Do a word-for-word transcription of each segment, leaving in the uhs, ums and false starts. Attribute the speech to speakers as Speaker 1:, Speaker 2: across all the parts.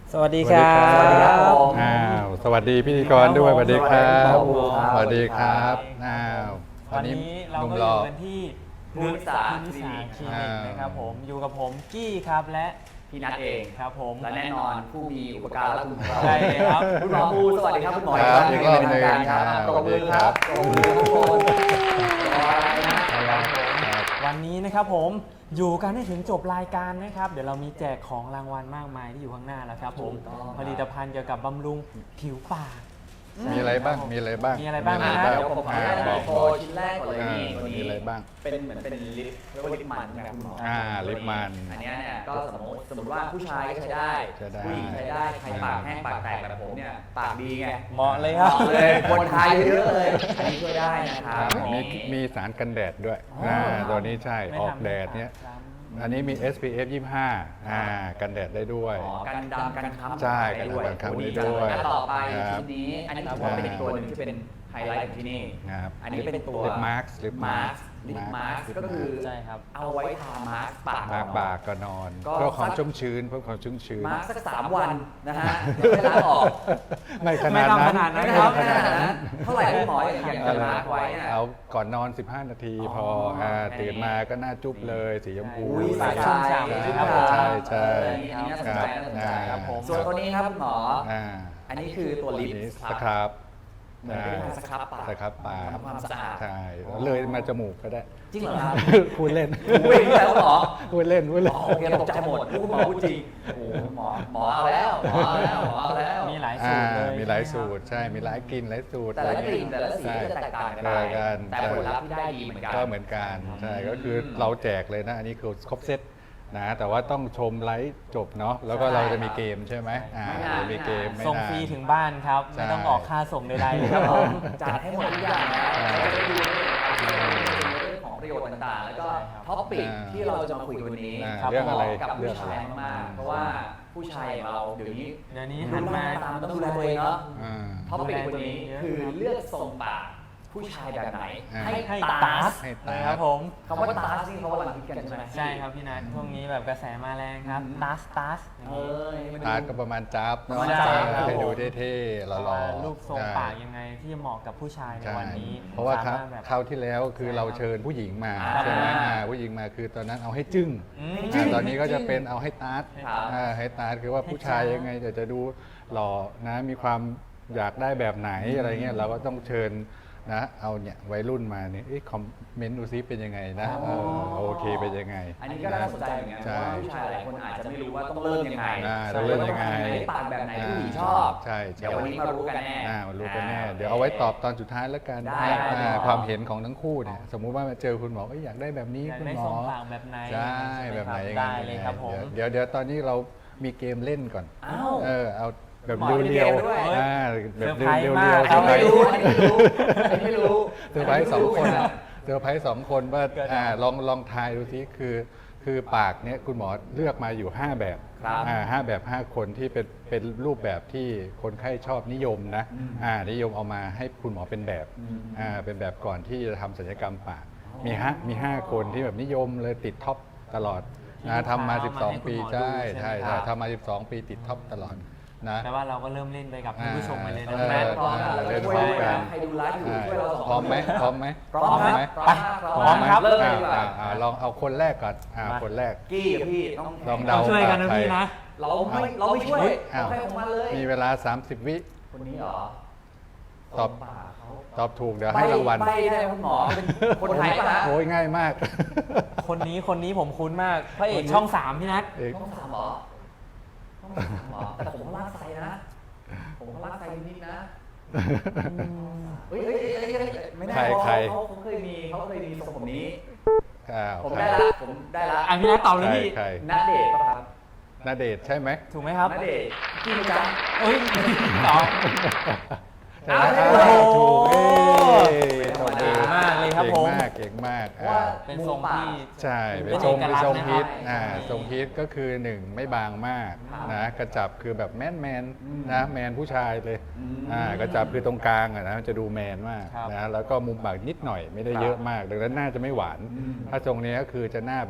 Speaker 1: สวัสดีครับ
Speaker 2: สวัสดีครับผม
Speaker 3: อ้าวสวัสดีพิธีกรด้วยสวัสดีครับ
Speaker 2: สวัสดีครับ
Speaker 3: สวัสดีครับอ้าว
Speaker 1: วันนี้เรา
Speaker 3: หนุ่ม
Speaker 1: ก็
Speaker 3: ห
Speaker 1: อ
Speaker 3: ล่
Speaker 1: ยู่
Speaker 3: อ
Speaker 1: กันที่
Speaker 2: ภูมิศาสตร์
Speaker 1: ภูมิศาสตร์คลินิก
Speaker 3: อ่าน
Speaker 1: นะครับผมอยู่กับผมกี้ครับและ
Speaker 2: พี่นัทเอง
Speaker 1: ครับผม
Speaker 2: และแน่นอนผู้มีอุปการะคุณของเรา
Speaker 1: ใช่ครับ
Speaker 2: คุณหมอภูสวัสดีครับคุณหมอ
Speaker 3: ครับ
Speaker 2: อี
Speaker 3: อี
Speaker 2: ก
Speaker 3: ก
Speaker 2: ร
Speaker 3: ร
Speaker 2: อ
Speaker 3: อ
Speaker 2: บบ ห
Speaker 3: ห
Speaker 2: นึ่
Speaker 3: นึ่
Speaker 2: ง
Speaker 3: ง
Speaker 2: ครับ
Speaker 3: ครับ
Speaker 2: ปรบมือ
Speaker 3: ส
Speaker 2: ค
Speaker 3: วั
Speaker 2: รั
Speaker 3: ส
Speaker 2: บ
Speaker 3: ดี
Speaker 2: ปรบมือทุกคนรออะไรนะ
Speaker 3: ครับ
Speaker 1: วันนี้นะครับผมอยู่กันให้ถึงจบรายการนะครับ เดี๋ยวเรามีแจกของรางวัลมากมายที่อยู่ข้างหน้าแล้วครับผม
Speaker 2: ถูกต้อง
Speaker 1: ผลิตภัณฑ์เกี่ยวกับบำรุงผิวปาก
Speaker 3: มีอะไรบ้างมีอะไรบ้าง
Speaker 1: มีอะไรบ้าง
Speaker 3: มี
Speaker 1: นะ
Speaker 2: เดี๋ยวผมขอ
Speaker 3: อ่า
Speaker 2: อนุญาต
Speaker 3: บอก
Speaker 2: โช
Speaker 3: บอก
Speaker 2: ว์ชิ้นแรกก่อนเลย
Speaker 3: อ่า
Speaker 2: นี่ตัวนี้
Speaker 3: มีอะไรบ้าง
Speaker 2: เป็นเหมือนเป็นลิปเรียกว่าลิปมันนะครับคุณหมอ
Speaker 3: อ่าลิปมัน
Speaker 2: อันเนี้ยเนี่ยก็สมมติสมมติว่าผู้ชายก็ใช้ได้
Speaker 3: ใช้ได้
Speaker 2: ผู้หญิงใช้ได้ใครปากแห้งปากแตกแบบผมเนี่ยปากดีไง
Speaker 1: เหมาะเลยครับ
Speaker 2: เหมาะเลยคนไทยเยอะเลยอันนี้ช่วยได้นะครับ
Speaker 3: มีมีสารกันแดดด้วย
Speaker 2: อ๋ออ่
Speaker 3: ่าตัวนี้ใช่
Speaker 1: ไม่
Speaker 3: ออก
Speaker 1: ทำ
Speaker 3: แดดเนี้ย
Speaker 1: ซ้ำ
Speaker 3: อันนี้มี เอส พี เอฟ ยี่สิบห้าอ่ากันแดดได้ด้วย
Speaker 2: อ๋อกันดำกันค้ำ
Speaker 3: ใช่
Speaker 2: ได้ด้วย
Speaker 3: กันดำกันค้ำ
Speaker 2: โอ้
Speaker 3: ได้ด้วย
Speaker 2: จังต่อไป
Speaker 3: ครับ
Speaker 2: ชิ้นนี้ อันนี้ถือว่าเป็นอีกตัวหนึงที่เป็นไฮไลท์ของที่นี่
Speaker 3: ครับ
Speaker 2: อันนี้เป็นตัว
Speaker 3: ลิปมาร์คลิป
Speaker 2: มา
Speaker 3: มา
Speaker 2: ร์
Speaker 3: ร์
Speaker 2: ค
Speaker 3: ค
Speaker 2: ลิปมาร์คก็คือ
Speaker 1: ใช่ครับ
Speaker 2: เอาไว้ทามาร์คปาก
Speaker 3: ปากปากก็นอน
Speaker 2: ก็
Speaker 3: เพื่อความ
Speaker 2: สัก
Speaker 3: ชุ่มชื้นเพื่อความชุ่มชื้น
Speaker 2: มาร์คสักสามวันนะฮะไม่ล้างออก
Speaker 3: ไม่ขนาดนั้น
Speaker 1: ไม่ทำขนาดนั้น
Speaker 2: นะครับไม่ขนาดนั้นเท่าไหร่คุณหมออย่างอย่างจะมาร์คไว้เนี่ย
Speaker 3: เอาก่อนนอน สิบห้า นาทีพอ
Speaker 2: อ๋ออ่
Speaker 3: า
Speaker 2: แค่นี้
Speaker 3: ตื่นมาก็หน้าจุ๊บเลยสีชมพู
Speaker 2: อุ้ย
Speaker 1: ปากชุ่มฉ่ำนะครับผม
Speaker 3: ใช่ใช่
Speaker 2: อันนี้น่าสนใจน่าสนใจ
Speaker 1: ครับผม
Speaker 2: ส่วนตัวนี้ครับคุณหมอ
Speaker 3: อ่า
Speaker 2: อันนี้คือตัวลิป
Speaker 3: นี้
Speaker 2: ค
Speaker 3: ส
Speaker 2: รับ
Speaker 3: ครับ
Speaker 2: เหมือนเป็นการสครับปาก
Speaker 3: สครับปาก
Speaker 2: ทำความสะอาด
Speaker 3: ใช่เลยมาจมูกก็ได้
Speaker 2: จริงเหรอครับ
Speaker 3: พูดเล่น
Speaker 2: พูดเองแล้วเหรอ
Speaker 3: พูดเล่นพูดเล่น
Speaker 2: อ๋อโอเคตกใจหมดพูดหมอพูดจริงโอ้โหหมอหมอเอาแล้วหมอเอาแล้วหมอเอาแล้ว
Speaker 1: มีหลายสู
Speaker 3: อ่า
Speaker 1: ตรเลย
Speaker 3: มีหลายสูตรใช่มีหลายกลิ่นหลายสูตร
Speaker 2: แต่ละกลิ่นแต่ละสีก็จะแตกต่างกันไป
Speaker 3: ใช่กัน
Speaker 2: แต่ผลลัพธ์ที่ได้ดีเหมือนกัน
Speaker 3: ก็เหมือนกันใช่ก็คือเราแจกเลยนะอันนี้คือครบเซตนะแต่ว่าต้องชมไลฟ์จบเนาะแล้วก็เราจะมีเกมใช่ไหมอ่า
Speaker 2: ไม่นาน
Speaker 3: มีเกมไม่
Speaker 1: ส่ง
Speaker 3: นาน
Speaker 1: ฟรีถึงบ้านครับ
Speaker 3: ใช่
Speaker 1: ไม่ต้องออกค่าส่งใดๆเลยครับผม
Speaker 2: จัดให้หมดทุกอย่างนะ
Speaker 3: อ่า
Speaker 2: เราจะได้ดูเรื่องของประโยชน์ต่างๆ แล้วก็ท็อปปิก
Speaker 3: อ่า
Speaker 2: ที่เราจะมาคุยกันวันนี้
Speaker 3: อ่า
Speaker 2: ครับ
Speaker 3: เรื่องอะไร
Speaker 2: เหมาะกับ
Speaker 3: เรื่
Speaker 2: ผู้
Speaker 3: องอะไร
Speaker 2: ชายมากๆเพราะว่าผู้ชายอย่างเราเดี๋ยวนี้
Speaker 1: เดี๋ยวนี้หันมา
Speaker 2: ตามต้องดูแลตัวเองเนาะ
Speaker 3: อ่า
Speaker 2: ท็อปปิกวันนี้คือเลือกทรงปากผู้ชายแบบไหน
Speaker 3: อ่า
Speaker 2: ให้
Speaker 1: ให้
Speaker 2: ตา
Speaker 1: ตา
Speaker 2: ส
Speaker 1: ส
Speaker 3: ให้ตา
Speaker 1: นะครับผม
Speaker 2: คำว่าตาสนี่เขากำลังคิดกันใช่ไหม
Speaker 1: ใช่ครับพี่นัทช่วงนี้แบบกระแสมาแรงครับตาสตาส
Speaker 2: เอ้ยมันดู
Speaker 3: ตาร์ตก็ประมาณจับ
Speaker 2: ประมาณ
Speaker 3: เนาะ
Speaker 2: จ๊าบ
Speaker 3: ให้ดูเท่ๆหล่อ
Speaker 1: ว่า
Speaker 3: ๆ
Speaker 1: รูปทรง
Speaker 3: ใช่
Speaker 1: ปากยังไงที่จะเหมาะกับผู้ชายใน
Speaker 3: ใช่
Speaker 1: วันนี้
Speaker 3: เพราะว่าค
Speaker 1: ส
Speaker 3: รับ
Speaker 1: มถแบบ
Speaker 3: คราวที่แล้วคือเราเชิญผู้หญิงมา
Speaker 2: อ่า
Speaker 3: ใช่ไหมอ่าผู้หญิงมาคือตอนนั้นเอาให้จึ้ง
Speaker 1: อืม
Speaker 3: อ่าตอนนี้ก็จะเป็นเอาให้ตาร์ต
Speaker 2: ครับ
Speaker 3: อ่าให้ตาร์ตคือว่าผู้ชายยังไงจะจะดูหล่อนะมีความอยากได้แบบไหนอะไรเงี้ยเราก็ต้องเชิญนะเอาเนี่ยวัยรุ่นมาเนี่ยเอ๊ะคอมเมนต์ดูซิเป็นยังไงนะเออโอเคเป็นยังไง
Speaker 2: อันนี้ก็น่าสนใจเหมือนกันเพ
Speaker 3: ใช่
Speaker 2: ราะว่าผู้ชายหลายคนอาจจะไม่รู้ว่าต้องเริ่มยังไง
Speaker 3: อ่าต้องเริ่มยังไง
Speaker 2: ปากแบบไหนผู้หญิงชอบ
Speaker 3: ใช่ใช่
Speaker 2: เดี๋ยววันนี้มารู้กันแน่
Speaker 3: อ่ามารู้กันแน่เดี๋ยวเอาไว้ตอบตอนสุดท้ายแล้วกัน
Speaker 2: ได้
Speaker 3: อ่า
Speaker 2: ได้
Speaker 3: ความเห็นของทั้งคู่เนี่ยสมมุติว่ามาเจอคุณหมอเอ้ยอยากได้แบบนี้
Speaker 1: อยาก
Speaker 3: คุณ
Speaker 1: ได้
Speaker 3: หม
Speaker 1: ทร
Speaker 3: อ
Speaker 1: งปากแบบไหน
Speaker 3: ใช่แบบไหน
Speaker 1: ได้เลยครับผม
Speaker 3: เดี๋ยวเดี๋ยวตอนนี้เรามีเกมเล่นก่อน
Speaker 2: อ้าว
Speaker 3: เออเอาแบบ
Speaker 2: หมอมี
Speaker 3: เรียว
Speaker 2: เกมด้วย
Speaker 3: ๆอ่าแบบเรียว
Speaker 1: เซอร์
Speaker 3: เรียว
Speaker 1: ไพรส์
Speaker 3: เรียว
Speaker 1: มาก
Speaker 3: เซอร์ไพร
Speaker 2: ไม่
Speaker 3: ส์
Speaker 2: รู้อันนี้ไม่รู้อันนี้ไม่รู้
Speaker 3: เซอร์ไพรส์สองคนอะเซอร์ไพรส์สองคนว่า
Speaker 1: เกิดอะไร
Speaker 3: อ่าลองลองทายดูซิคือคือปากเนี้ยคุณหมอเลือกมาอยู่ ห้า แบบ
Speaker 2: ครับ
Speaker 3: อ่าห้าแบบ ห้า คนที่เป็นเป็นรูปแบบที่คนไข้ชอบนิยมนะอ่านิยมเอามาให้คุณหมอเป็นแบบอ่าเป็นแบบก่อนที่จะทำศัลยกรรมปากมีห้ามีห้าคนที่แบบนิยมเลยติดท็อปตลอดนะทำมา สิบสอง ปีใช่ใช่ใช่ทำมา สิบสอง ปีติดท็อปตลอดนะ
Speaker 1: แต่ว่าเราก็เริ่มเล่นไปกับท่านผู้ชมไปเลยนะ
Speaker 3: เออ
Speaker 1: แม่
Speaker 2: พร้อมกันแล้ว
Speaker 3: เล่
Speaker 2: ก็
Speaker 3: น
Speaker 2: ช่วย
Speaker 3: พร้อมกัน
Speaker 2: ใครดูไลฟ์อยู่ช่วยเราสองคน
Speaker 3: พร้อมไหมพร้อมไหม
Speaker 2: พร้อมครับ
Speaker 3: ไหม
Speaker 2: พร้อมครับ
Speaker 1: พร้อมครับ
Speaker 2: เริ่มเลยดีกว่า
Speaker 3: อ่าอ่าลองเอาคนแรกก่อนอ่า
Speaker 1: มา
Speaker 3: คนแรก
Speaker 2: กี้กับพี่ต้อง
Speaker 3: ลอง
Speaker 1: เรา
Speaker 3: เดา
Speaker 1: ช่วยกันนะ
Speaker 3: ใคร
Speaker 1: พี่นะ
Speaker 2: เราไม่เราไม่ช่วย
Speaker 3: อ้าว
Speaker 2: เราให้ของมันเลย
Speaker 3: มีเวลา สามสิบ วิ
Speaker 2: คนนี้เหรอ
Speaker 3: ตอบ
Speaker 2: ปากเขา
Speaker 3: ตอบถูกเดี๋ยวให้รางวัล
Speaker 2: ใบได้คุณหมอเป็นคนไทยป่ะฮะ
Speaker 3: โอ้ยง่ายมาก
Speaker 1: คนนี้คนนี้ผมคุ้นมากพระเอกช่องสามพี่นัท
Speaker 3: เอก
Speaker 2: ต้องถามหมอต้องถามหมอแต่ผมก็ลากไซนะ ผมก็ลากไซนิดนะเฮ้ยเฮ้ยเฮ้ยเฮ้ยไม่ได้
Speaker 3: ใคร
Speaker 2: เขา
Speaker 3: ใคร
Speaker 2: เขาเขาเคยมีเขาเคยมีทรงผมนี้
Speaker 3: อ้าว
Speaker 2: ผม
Speaker 3: ใคร
Speaker 2: ได้ละผมได้ละ
Speaker 1: อ่ะพี่นัทตอบเลย
Speaker 3: ใคร
Speaker 1: พี่
Speaker 3: ใคร
Speaker 2: ณเดชน์ป่ะครับ
Speaker 3: ณเดชน์ใช่ไหม
Speaker 1: ถูกไหมครับ
Speaker 2: ณเดชน์กินจัง
Speaker 1: เอ้ยตอบ
Speaker 2: อ้าว
Speaker 3: อ้าว
Speaker 2: โอ้โห
Speaker 3: ถูกเอ้ย
Speaker 2: ธรรมดา
Speaker 3: เก่ง
Speaker 1: มากเลยครับผม
Speaker 3: เก่งมากเก่งมาก
Speaker 2: ว่า
Speaker 3: อ่า
Speaker 1: เป็นทรงที่
Speaker 3: ใช่
Speaker 1: เป็
Speaker 3: เป็น
Speaker 1: น
Speaker 3: ทรง
Speaker 1: เอก
Speaker 3: เป็น
Speaker 1: ลักษณ์
Speaker 3: ทรง
Speaker 1: นะครับ
Speaker 3: ฮิตอ่า
Speaker 2: ใช่
Speaker 3: ทรงฮิตก็คือหนึ่งไม่บางมาก
Speaker 2: ครับ
Speaker 3: นะกระจับคือแบบแมนแมน
Speaker 2: อืม
Speaker 3: นะแมนผู้ชายเลย
Speaker 2: อืม
Speaker 3: อ่ากระจับคือตรงกลางอะนะจะดูแมนมาก
Speaker 1: ครับ
Speaker 3: นะแล้วก็มุมปากนิดหน่อยไม่ได้
Speaker 2: ครับ
Speaker 3: เยอะมากดังนั้นหน้าจะไม่หวาน
Speaker 2: อืม
Speaker 3: ถ้าทรงนี้ก็คือจะหน้าแบบ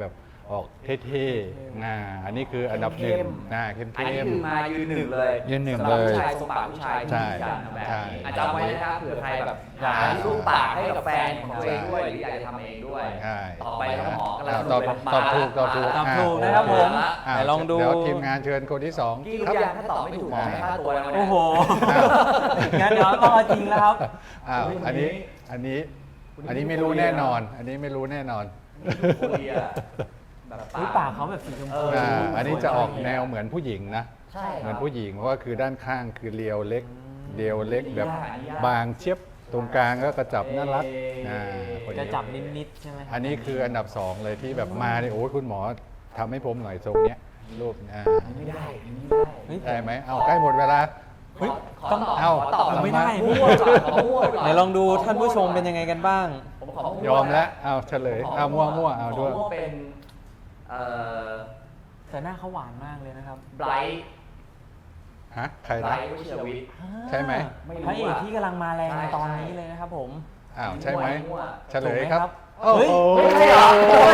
Speaker 3: ออกเท่ๆอ่าอันนี้คืออันดับหนึ่งอ่าเข้ม
Speaker 2: อันนี้
Speaker 3: เข้ม
Speaker 2: คือมายืนหนึ่งเลย
Speaker 3: ยืนหนึ่ง
Speaker 2: สำรับ
Speaker 3: เลย
Speaker 2: ผู้ชายทรงปากผู้ชาย
Speaker 3: ใช่
Speaker 2: ที่กันแบบ
Speaker 3: ใช่
Speaker 2: นี้อาจจะเอาไว้นะครับเผื่อใครแบบอยากหารูปปากให้กับแฟนของตัวเองด้วยหรืออยากจะทำเองด้วย
Speaker 3: ใช่
Speaker 2: ต่อไปแล้วหมอกำลัง
Speaker 3: อ่าตอบ
Speaker 2: ดูเลย
Speaker 3: ตอบถูกตอบถูก
Speaker 1: ตอบถูกนะครับผม
Speaker 3: อ่า
Speaker 1: ไหนลองดู
Speaker 3: เดี๋ยวทีมงานเชิญคนที่สอง
Speaker 2: กี่รู้
Speaker 3: ครับ
Speaker 2: ยังถ้าตอบไม่ถูกหมอให้ค่าตัวนะวันนี้
Speaker 1: โอ้โห งั้นเดี๋ยวต้องเอาจริงแล้วครับ
Speaker 3: อ้าวอันนี้อันนี้อันนี้ไม่รู้แน่นอน อันนี้ไม่รู้แน่นอน
Speaker 2: โคเรียแบบ
Speaker 1: เฮ้ยปากเขาแบบสีชมพู
Speaker 3: อ่าอันนี้จะออก
Speaker 1: สวยมาก
Speaker 3: แนวเหมือนผู้หญิงนะ
Speaker 2: ใช่
Speaker 3: เหมือนผู้หญิงเพราะว่าคือด้านข้างคือเรียวเล็กเรียวเล็กแบบ
Speaker 2: อันนี้ยาก
Speaker 3: บางเชียบตรงกลางก็กระจับน่ารักอ่าคน
Speaker 1: จะ
Speaker 3: นี้
Speaker 1: จับนิดๆใช่ไหมครับ
Speaker 3: อันนี้คืออันดับสองเลยที่แบบมาเนี่ยโอ้ยคุณหมอทำให้ผมหน่อยทรงเนี้ยรูปอ่า
Speaker 2: ไม่ได้ไม่ได้
Speaker 1: เฮ้ย
Speaker 3: ได้ไหมเอาใกล้หมดเวลา
Speaker 2: เฮ้ย
Speaker 1: ต้อง
Speaker 2: ขตบ
Speaker 3: เอา
Speaker 2: ขตอบ
Speaker 1: ไม่ได้
Speaker 2: มั่วก่อนขอมั่วก่อน
Speaker 1: ไหนลองดูท่านผู้ชมเป็นยังไงกันบ้าง
Speaker 2: ผมขอมั่
Speaker 3: ยอมแล้วเอาเฉลยเอามั่วมั่วเอาด้วย
Speaker 2: ขมั่วเป็นเอ่อ
Speaker 1: แต่หน้าเขาหวานมากเลยนะครับ
Speaker 2: ไบรท์
Speaker 3: ฮะใคร
Speaker 2: ไบร
Speaker 3: นะ
Speaker 2: ท์วชิรวิทย์
Speaker 3: ใช่ไหม
Speaker 2: ไม่รู้
Speaker 1: พระเอก
Speaker 2: อะ
Speaker 1: ที่กำลังมาแรง
Speaker 2: ใช่
Speaker 1: ในตอน
Speaker 2: ใช่
Speaker 1: นี้เลยนะครับผม
Speaker 3: อ้าวใช่ไหม
Speaker 2: มั่ว
Speaker 3: เฉลยครับ
Speaker 1: ถูกไหมครับ
Speaker 3: โอ้โห
Speaker 2: ไม่ใช่เหรอ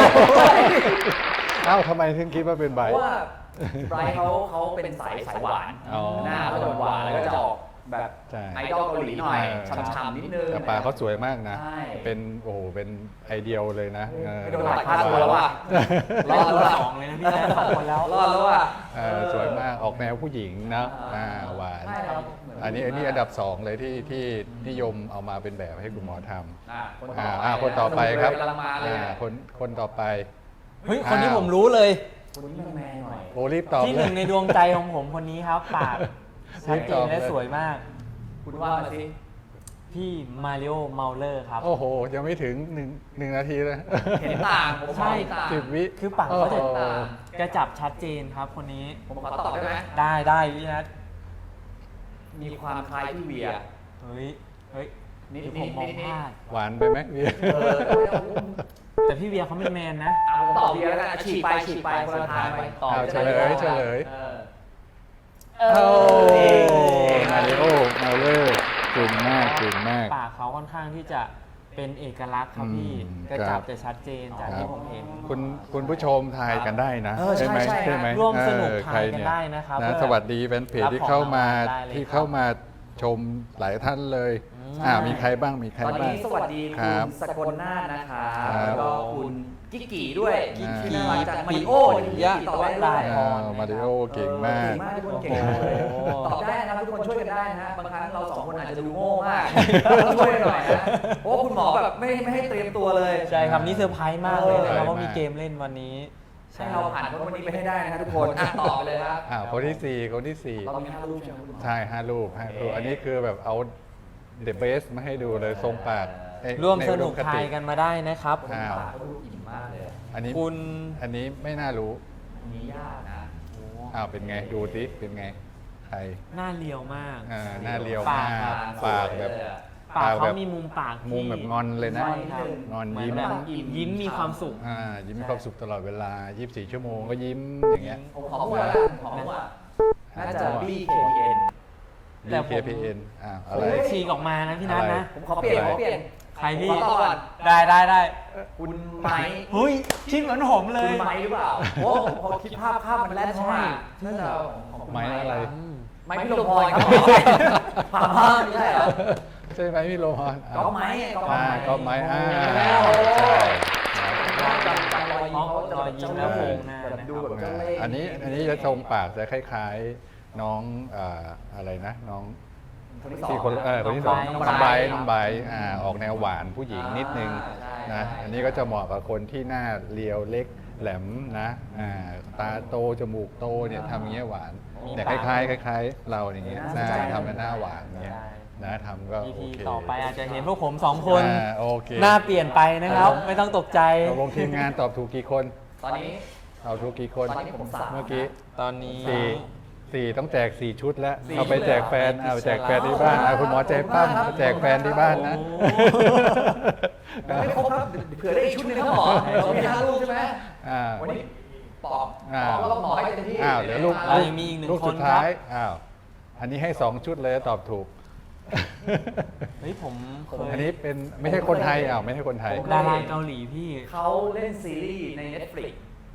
Speaker 3: เอ้าทำไมถึงคิดว่าเป็น
Speaker 2: เพ
Speaker 3: ใบ
Speaker 2: ราะว่าไบรท์เขาเขาเป็นสายสายหวาน
Speaker 3: อ๋อ
Speaker 2: หน้าเขาจะหวานแล้วก็จะออกแบบ
Speaker 3: ใช่
Speaker 2: ไอดอลเกาหลีหน่อย
Speaker 3: เออ
Speaker 2: ฉ่ำๆนิดนึง
Speaker 3: แต่ปากเขาสวยมากนะ
Speaker 2: ใช่
Speaker 3: เป็นโอ้โหเป็นไอเดียลเลยนะเออ
Speaker 2: ไม่โดนหลายค่าตัวแล้วว่ะ
Speaker 1: รอดแล้วสองเลยนะพี่แจ๊คสองคนแล้ว
Speaker 2: รอดแล้วอ่ะ
Speaker 3: เออสวยมากออกแนวผู้หญิงนะอ่าหวาน
Speaker 2: ใช่ครับ
Speaker 3: อันนี้อันนี้อันดับสองเลยที่ที่นิยมเอามาเป็นแบบให้คุณหมอทำ
Speaker 2: อ่ะคน
Speaker 3: อ่า
Speaker 2: ต่อไป
Speaker 3: อ่าคนต่อไปครับ
Speaker 2: กำลังมาเลย
Speaker 3: อ่าคนคนต่อไป
Speaker 1: เฮ้ย คนนี้ผมรู้เลย
Speaker 2: คนนี้แมนๆหน่อย
Speaker 3: โอ้รีบตอบ
Speaker 1: ที่ห
Speaker 3: เล
Speaker 1: นึ่
Speaker 3: ย
Speaker 1: งในดวงใจของผมคนนี้ครับ ปากชัดเจนและสวยมาก
Speaker 2: คุณว่ามาสิ
Speaker 1: พี่มาริโอเมาเลอร์ครับ
Speaker 3: โอ้โห ยังไม่ถึงหนึ่งหนึ่งนาทีเลย
Speaker 2: เห็นต่างผมขอ
Speaker 1: ใช่
Speaker 2: เห็นต่าง
Speaker 3: สิบวิ
Speaker 1: คือปากเขาจะ
Speaker 3: โอ้โห
Speaker 1: จะจับชัดเจนครับคนนี้
Speaker 2: ผมขอตอบได้ไหม
Speaker 1: ได้ได้พี่นัท
Speaker 2: มีความคล้ายพี่เวีย
Speaker 1: เฮ้ย เฮ้ย
Speaker 2: นิด
Speaker 1: เดี๋ยว
Speaker 2: นิ
Speaker 1: ผม
Speaker 2: ด
Speaker 1: มอง
Speaker 2: นิด
Speaker 1: พลาด
Speaker 3: หวานไปไหมเวีย
Speaker 2: เออ
Speaker 1: แต่พี่เวียเขาเป็นแมนนะ
Speaker 2: เอาผมตอบเวียแล้วกันฉีกไปฉีกไปคนละทางไป
Speaker 1: ตอบ
Speaker 3: เอาเฉลยเฉลย
Speaker 2: เออ
Speaker 1: เอ
Speaker 3: โอ้
Speaker 1: อ
Speaker 3: มาริโอมาเลอร์เก่งมากเก่งมาก
Speaker 1: ปากเขาค่อนข้างที่จะเป็นเอกลักษณ์ครับพี่
Speaker 3: อืม
Speaker 1: กระจับ
Speaker 3: ครับ
Speaker 1: จะชัดเจนจากที่ผมเห็น
Speaker 3: คุณคุณผู้ชมทายกันได้นะ
Speaker 2: เออใช่
Speaker 3: ไหม
Speaker 2: ใช่
Speaker 3: ใช่ไหม
Speaker 1: ร่วมสนุก
Speaker 3: เออ
Speaker 1: ทายกัน
Speaker 3: ใครเ
Speaker 1: ได้นะครับ
Speaker 3: นะ
Speaker 1: เพื่อ
Speaker 3: สวัสดีแฟนเพจ
Speaker 1: รับ
Speaker 3: ที่เข้ามา
Speaker 1: ของรางวัลได้เลย
Speaker 3: ที่
Speaker 1: ครับ
Speaker 3: เข้ามาชมหลายท่านเลย
Speaker 1: อืม
Speaker 3: อ่ามีใครบ้างมีใคร
Speaker 2: ตอน
Speaker 3: บ้าง
Speaker 2: นี้สวัสดี
Speaker 3: ครั
Speaker 2: คุ
Speaker 3: บ
Speaker 2: ณสกลนาถนะคะ
Speaker 3: ครับ
Speaker 2: แล้วก็คุณกิ๊กกี้ด้วย
Speaker 3: กิ๊กกี้
Speaker 2: ที่มาจากมาริโอที่
Speaker 1: ยะ
Speaker 2: ตอบได้ด้
Speaker 1: ได้
Speaker 2: วย
Speaker 1: พร
Speaker 3: อ่ามาริโอเก่งมาก
Speaker 2: เก่งมากทุกคนเก่งมากเลย
Speaker 1: โอ้โห
Speaker 2: ตอบได้นะครับทุกคนช่วยกันได้นะฮะบางครั้งเราสองคนอาจจะดูโง่มากต้องช่วยกันหน่อยนะเพราะว่าคุณหมอแบบไม่ไม่ให้เตรียมตัวเลย
Speaker 1: ใช่ครับนี่เซอร์ไพรส์มากเลยนะครับ
Speaker 3: เออ
Speaker 1: ว่ามีเกมเล่นวันนี้
Speaker 2: ให้เราผ่านคนวันนี้ไปให้ได้นะฮะทุกคนอ่ะตอบไปเลยครับ
Speaker 3: อ่าคนที่สี่คนที่สี่
Speaker 2: เรามีห้ารูปใช่ไหมคุณหมอ
Speaker 3: ใช่ห้ารูปห้ารูปอันนี้คือแบบเอาเดอะเบสมาให้ดูเลยทรงปากเอ้ย
Speaker 1: ร่วม
Speaker 3: ใน
Speaker 1: ส
Speaker 3: อุด
Speaker 1: นุก
Speaker 3: ค
Speaker 1: ทา
Speaker 3: ติ
Speaker 1: ยกันมาได้นะครับ
Speaker 2: คน
Speaker 3: อ้าว
Speaker 2: ปากเขาดูอิ่มมากเลย
Speaker 3: อันนี้
Speaker 1: คุณ
Speaker 3: อันนี้ไม่น่ารู้
Speaker 2: อันนี้ยากนะ
Speaker 3: อ้าวเป็นไงดูสิเป็นไงใคร
Speaker 1: หน้าเรียวมาก
Speaker 3: อ่าหน้าเรียว
Speaker 1: ปาม
Speaker 3: าก กปากแบบ
Speaker 1: ปาก
Speaker 3: แบ
Speaker 1: เขา
Speaker 3: บ
Speaker 1: มีมุมปากที่
Speaker 3: มุมแบบงอนเลยนะ
Speaker 1: ใช่ครับ
Speaker 3: งอน
Speaker 1: เหมื
Speaker 3: ยิ้ม
Speaker 1: แบบยิ้มมีความสุข
Speaker 3: อ่ายิ้มมีความสุขตลอดเวลายี่สิบสี่ชั่วโมงก็ยิ้มอย่างเงี้ย
Speaker 2: ผมขอพูดแล้วกันขอพูดว่าน่าจะ บี เค พี เอ็น
Speaker 1: แต่
Speaker 3: B
Speaker 1: ผม
Speaker 3: K P N อ่าอะไร
Speaker 1: เฮ้ยฉีกออกมานะพี่นัทนะ
Speaker 2: ผมขอเปลี่ยนขอเปลี่ยน
Speaker 1: ใครพี่
Speaker 2: ผมขอตอบก่อน
Speaker 1: ได้ได้ได้
Speaker 2: คุณไม้
Speaker 1: เฮ้ยชิดเหมือนผมเล
Speaker 2: คุ
Speaker 1: ย
Speaker 2: ณไม้หรือเปล่าโอ้ผมพอคิดภาพภาพมันแล่นเข้ามาน่าจะของคุณ
Speaker 3: ไม้อะไร
Speaker 1: อืม
Speaker 2: ไม้พี่ลมพรครับผ่าภาพไม่ใช่เหรอ
Speaker 3: ใช่ไหมพี่โรฮอน
Speaker 2: ก็ไม้ไงก็
Speaker 3: อ่า
Speaker 2: ไม้
Speaker 3: ก็ไม้อ่า
Speaker 2: โอ้
Speaker 3: ใช่
Speaker 2: จำจำรอยยิ้มเขา
Speaker 1: รอยยิ้มแล้วโผล่หน้า
Speaker 2: แบบดูแบบ
Speaker 3: อ่า
Speaker 2: เจ้าเล่ห์
Speaker 3: อันนี้อันนี้จะทรงปากจะคล้ายๆน้องอ่าอะไรนะน้อง
Speaker 2: คนที่สอง
Speaker 3: ที่คนเออคนที่สอง
Speaker 1: น้
Speaker 3: น้
Speaker 1: อ
Speaker 3: อง ง
Speaker 1: ไบ
Speaker 3: ใบ
Speaker 1: ร์ท
Speaker 3: น้องใบอ่าออกแนวหวานผู้หญิงนิดนึง
Speaker 2: อ่าใช่
Speaker 3: นะ
Speaker 2: ใช่
Speaker 3: อันนี้ก็จะเหมาะกับคนที่หน้าเรียวเล็กแหลมนะอ่าตาโตจมูกโตเนี่ยทำอย่างเงี้ยหวานเนี่ยคล้ายๆคล้ายๆเราอย่างเงี้ยหน้าทำเป็นหน้าหวานอย่างเงี้ยนะทำก็
Speaker 1: อี
Speaker 3: โอ
Speaker 1: พี
Speaker 3: เค
Speaker 1: ต่อไปอาจจะเห็นพวกผมสองคน
Speaker 3: อ่าโอเค
Speaker 1: หน้าเปลี่ยนไปนะครับ ไม่ต้องตกใจ
Speaker 3: ตกลงทีมงานตอบถูกกี่คน
Speaker 2: ตอนนี้
Speaker 3: ตอบถูกกี่คน
Speaker 2: ตอนนี้ผมสาม
Speaker 3: เมื่อกี้
Speaker 1: ตอนนี้
Speaker 3: สี่สี่ต้องแจกสี่ชุดแล้ว
Speaker 2: สี่
Speaker 3: เอาไปแจกแฟน
Speaker 1: ชุดเลยเหรอ
Speaker 3: เอาไปแจกแฟนที่บ้านเอาคุณหมอแจกปั้ม
Speaker 2: ขอบคุณมากครับ
Speaker 3: แจกแฟนที่บ้านนะ
Speaker 1: โอ้
Speaker 2: ยังไม่ครบครับเผื่อได้อีกชุดหนึงครับหมอเรามีห้าลูกใช่ไหม
Speaker 3: อ่า
Speaker 2: วันนี้ปอบ
Speaker 3: อ่า
Speaker 2: ปอบแล้วก็หมอให้เต็มที่
Speaker 3: อ้าวเดี๋ยวลูก
Speaker 1: เรายังมีอีกหนึ่ง
Speaker 3: ลูก
Speaker 1: คน
Speaker 3: สุดท้าย
Speaker 1: ครับ
Speaker 3: อ้าวอันนี้ให้สองชุดเลยตอบถูก
Speaker 1: เฮ้ยผมเคย
Speaker 3: อันนี้เป็นไม่ใช่คนไทยอ้าวไม่ใช่คนไทย
Speaker 1: ดาราเกาหลีพี่
Speaker 2: เขาเล่นซีรีส์ใน Netflix